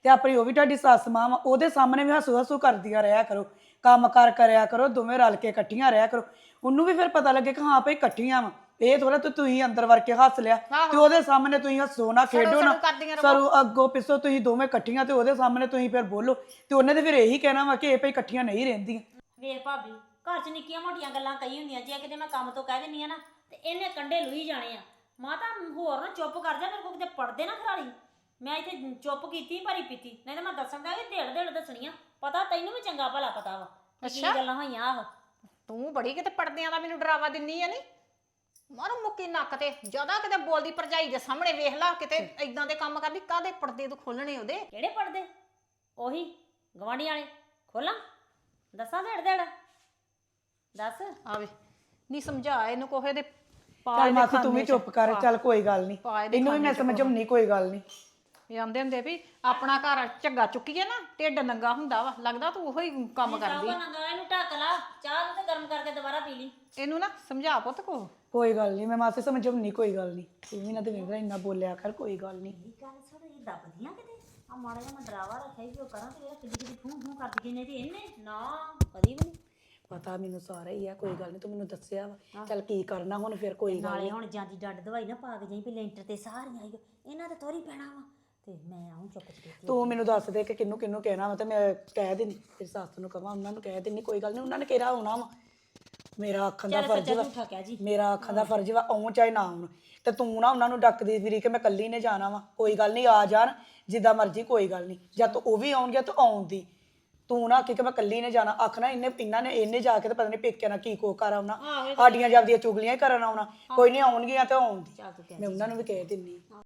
ਤੇ ਆਪਣੀ ਉਹ ਵੀ ਤੁਹਾਡੀ ਸੱਸ ਮਾਂ ਵਾ, ਉਹਦੇ ਸਾਹਮਣੇ ਵੀ ਹੱਸੂ ਹੱਸੂ ਕਰਦੀਆਂ ਰਿਹਾ ਕਰੋ, ਕੰਮ ਕਾਰ ਕਰਿਆ ਕਰੋ, ਦੋਵੇਂ ਰਲ ਕੇ ਇਕੱਠੀਆਂ ਰਿਹਾ ਕਰੋ। ਉਹਨੂੰ ਵੀ ਫਿਰ ਪਤਾ ਲੱਗੇ ਕਿ ਹਾਂ ਭਈ ਇਕੱਠੀਆਂ ਵਾ। ਇਹ ਥੋੜਾ ਤੇ ਤੁਸੀਂ ਅੰਦਰ ਵੜ ਕੇ ਹੱਸ ਲਿਆ ਤੇ ਉਹਦੇ ਸਾਹਮਣੇ ਤੁਸੀਂ ਹੱਸੋ ਨਾ, ਖੇਡੋ ਨਾ, ਸਰੂ ਅੱਗੋਂ ਪਿੱਛੋਂ ਤੁਸੀਂ ਦੋਵੇਂ ਇਕੱਠੀਆਂ ਤੇ ਉਹਦੇ ਸਾਹਮਣੇ ਤੁਸੀਂ ਫਿਰ ਬੋਲੋ ਤੇ ਉਹਨੇ ਤੇ ਫਿਰ ਇਹੀ ਕਹਿਣਾ ਵਾ ਕਿ ਇਹ ਭਈ ਇਕੱਠੀਆਂ ਨਹੀਂ ਰਹਿੰਦੀਆਂ।
ਵੇਖ ਭਾਬੀ, ਘਰ 'ਚ ਨਿੱਕੀਆਂ ਮੋਟੀਆਂ ਗੱਲਾਂ ਕਹੀ ਹੁੰਦੀਆਂ, ਜੇ ਕਿਤੇ ਮੈਂ ਕੰਮ ਤੋਂ ਕਹਿ ਦਿੰਨੀ ਆ ਨਾ ਤੇ ਇਹਨੇ ਕੰਡੇ ਲੁਈ ਜਾਣੇ ਆ। ਮਾਤਾ ਹੋਰ ਨਾ ਚੁੱਪ ਕਰ ਜਾ, ਮੇਰੇ ਕੋਲ ਕਿਤੇ ਪੜਦੇ ਨਾ ਖਰਾਲੀ। ਮੈਂ ਇੱਥੇ ਚੁੱਪ ਕੀਤੀ ਭਰੀ ਪੀਤੀ, ਨਹੀਂ ਤਾਂ ਮੈਂ ਦੱਸਣ ਦਾ ਕਿ ਢੇੜ ਢੇੜ ਦੱਸਣੀਆਂ। ਪਤਾ ਤੈਨੂੰ ਵੀ ਚੰਗਾ ਭਲਾ ਪਤਾ ਵਾ ਕਿ ਕੀ ਗੱਲਾਂ ਹੋਈਆਂ। ਆਹ
ਤੂੰ ਬੜੀ ਕਿਤੇ ਪਰਦਿਆਂ ਦਾ ਮੈਨੂੰ ਡਰਾਵਾ ਦਿੰਨੀ ਆ। ਨਹੀਂ ਮਾਰੂ ਮੁੱਕੀ ਨੱਕ ਤੇ ਜਿਆਦਾ ਕਿਤੇ ਬੋਲਦੀ ਭਰਜਾਈ ਦੇ ਸਾਹਮਣੇ ਵੇਖ ਲਾ, ਕਿਤੇ ਇਦਾਂ ਦੇ ਕੰਮ ਕਰਦੀ। ਕਾਹਦੇ ਪਰਦੇ ਤੂੰ ਖੋਲਣੇ ਉਹਦੇ?
ਕਿਹੜੇ ਪੜਦੇ? ਉਹੀ ਗਵਾਂਢੀ ਵਾਲੇ ਖੋਲਾਂ? ਦੱਸਾਂ ਢੇੜ ਢੇੜ? ਦੱਸ।
ਆਵੇ ਨਹੀਂ ਸਮਝਾ ਇਹਨੂੰ ਕੋਹੇ ਦੇ
ਚੱਲ ਮਾਸੀ ਤੂੰ ਵੀ ਚੁੱਪ ਕਰ, ਚੱਲ ਕੋਈ ਗੱਲ ਨਹੀਂ, ਇਹਨੂੰ ਵੀ ਮੈਂ ਸਮਝਾਉਣੀ, ਕੋਈ ਗੱਲ ਨਹੀਂ।
ਇਹ ਆਂਦੇ ਹੁੰਦੇ ਵੀ ਆਪਣਾ ਘਰ ਝੱਗਾ ਚੁੱਕੀਏ ਨਾ ਢਿੱਡ ਨੰਗਾ ਹੁੰਦਾ ਵਾ। ਲੱਗਦਾ ਤੂੰ ਉਹੀ ਕੰਮ ਕਰਦੀ।
ਨੰਗਾ ਇਹਨੂੰ ਢੱਕ ਲਾ, ਚਾਹ ਨੂੰ ਤੇ ਗਰਮ ਕਰਕੇ ਦੁਬਾਰਾ ਪੀ ਲਈ।
ਇਹਨੂੰ ਨਾ ਸਮਝਾ ਪੁੱਤ ਕੋ।
ਕੋਈ ਗੱਲ ਨਹੀਂ, ਮੈਂ ਮਾਸੀ ਸਮਝਾਉਣੀ, ਕੋਈ ਗੱਲ ਨਹੀਂ। ਤੂੰ ਵੀ ਨਾ ਤੇ ਵੇਖ ਇੰਨਾ ਬੋਲਿਆ ਕਰ, ਕੋਈ ਗੱਲ ਨਹੀਂ।
ਇਹ ਗੱਲ ਸੁਣ, ਇਹ ਦੱਬਦੀਆਂ ਕਿਤੇ ਆ ਮਾੜਾ ਜਿਹਾ ਮੈਂ ਡਰਾਵਾ ਰੱਖਿਆ ਵੀ ਉਹ ਕਰਾਂ ਤੇ ਇਹ ਕਿੱਡੀ ਕਿੱਡੀ ਫੂੰ ਫੂੰ ਕਰਦੀ ਗਈ। ਨਹੀਂ ਤੇ ਇਹਨੇ ਨਾ ਕਦੀ ਵੀ ਨਹੀਂ।
ਪਤਾ ਮੈਨੂੰ ਸਾਰਾ ਹੀ ਆ, ਕੋਈ ਗੱਲ ਨਹੀਂ, ਤੂੰ ਮੈਨੂੰ ਦੱਸਿਆ ਵਾ। ਚੱਲ ਕੀ ਕਰਨਾ ਹੁਣ ਫਿਰ, ਕੋਈ ਗੱਲ
ਨਾਲੇ
ਨਹੀਂ।
ਹੁਣ ਜਾਂਦੀ ਡੱਡ ਦਵਾਈ ਨਾ ਪਾ ਕੇ ਜਾਈ ਵੀ ਲੈਂਟਰ ਤੇ ਸਾਰੀਆਂ ਆਈਓ, ਇਹਨਾਂ ਤੇ ਤੋਰੀ ਪੈਣਾ ਵਾ ਤੇ ਮੈਂ ਆਉਂ ਚੁੱਪ ਚੁੱਪ।
ਤੂੰ ਮੈਨੂੰ ਦੱਸ ਦੇ ਕਿ ਕਿਹਨੂੰ ਕਿਹਨੂੰ ਕਹਿਣਾ ਵਾ ਤੇ ਮੈਂ ਕਹਿ ਦੇਣੀ, ਤੇਰੀ ਸੱਸ ਨੂੰ ਕਹਾਂ, ਉਹਨਾਂ ਨੂੰ ਕਹਿ ਦੇਣੀ, ਕੋਈ ਗੱਲ ਨਹੀਂ, ਉਹਨਾਂ ਨੇ ਕਿਹੜਾ ਆਉਣਾ ਵਾ। ਮੇਰਾ ਆਖਣ ਦਾ ਫਰਜ਼ ਵਾ,
ਝੂਠਾ ਕਹਿ ਜੀ।
ਮੇਰਾ ਆਖਣ ਦਾ ਫਰਜ਼ ਵਾ, ਆਉਣ ਚਾਹੇ ਨਾ ਆਉਣ। ਤੇ ਤੂੰ ਨਾ ਉਹਨਾਂ ਨੂੰ ਡੱਕਦੀ ਫਿਰੀ ਕਿ ਮੈਂ ਇਕੱਲੀ ਨੇ ਜਾਣਾ ਵਾ। ਕੋਈ ਗੱਲ ਨਹੀਂ, ਆ ਜਾਣ ਜਿੱਦਾਂ ਮਰਜ਼ੀ, ਕੋਈ ਗੱਲ ਨਹੀਂ। ਜਦ ਉਹ ਵੀ ਆਉਣਗੇ ਤਾਂ ਆਉਣ ਦੀ, ਤੂੰ ਨਾ ਆਖੀ ਕਿ ਮੈਂ ਇਕੱਲੀ ਨੇ ਜਾਣਾ। ਆਖਣਾ ਇਹਨੇ ਇਹਨਾਂ ਨੇ ਇਹਨੇ ਜਾ ਕੇ ਤੇ ਪਤਾ ਨਹੀਂ ਪੇਕਿਆਂ ਨਾਲ ਕੀ ਕੋ ਕਰ ਆਉਣਾ, ਸਾਡੀਆਂ ਜਾਂਦੀਆਂ ਚੁਗਲੀਆਂ ਹੀ ਕਰਨ ਆਉਣਾ। ਕੋਈ ਨਹੀਂ, ਆਉਣਗੀਆਂ ਤੇ ਆਉਣ ਦੀ, ਮੈਂ ਉਹਨਾਂ ਨੂੰ ਵੀ ਕਹਿ ਦਿੰਨੀ।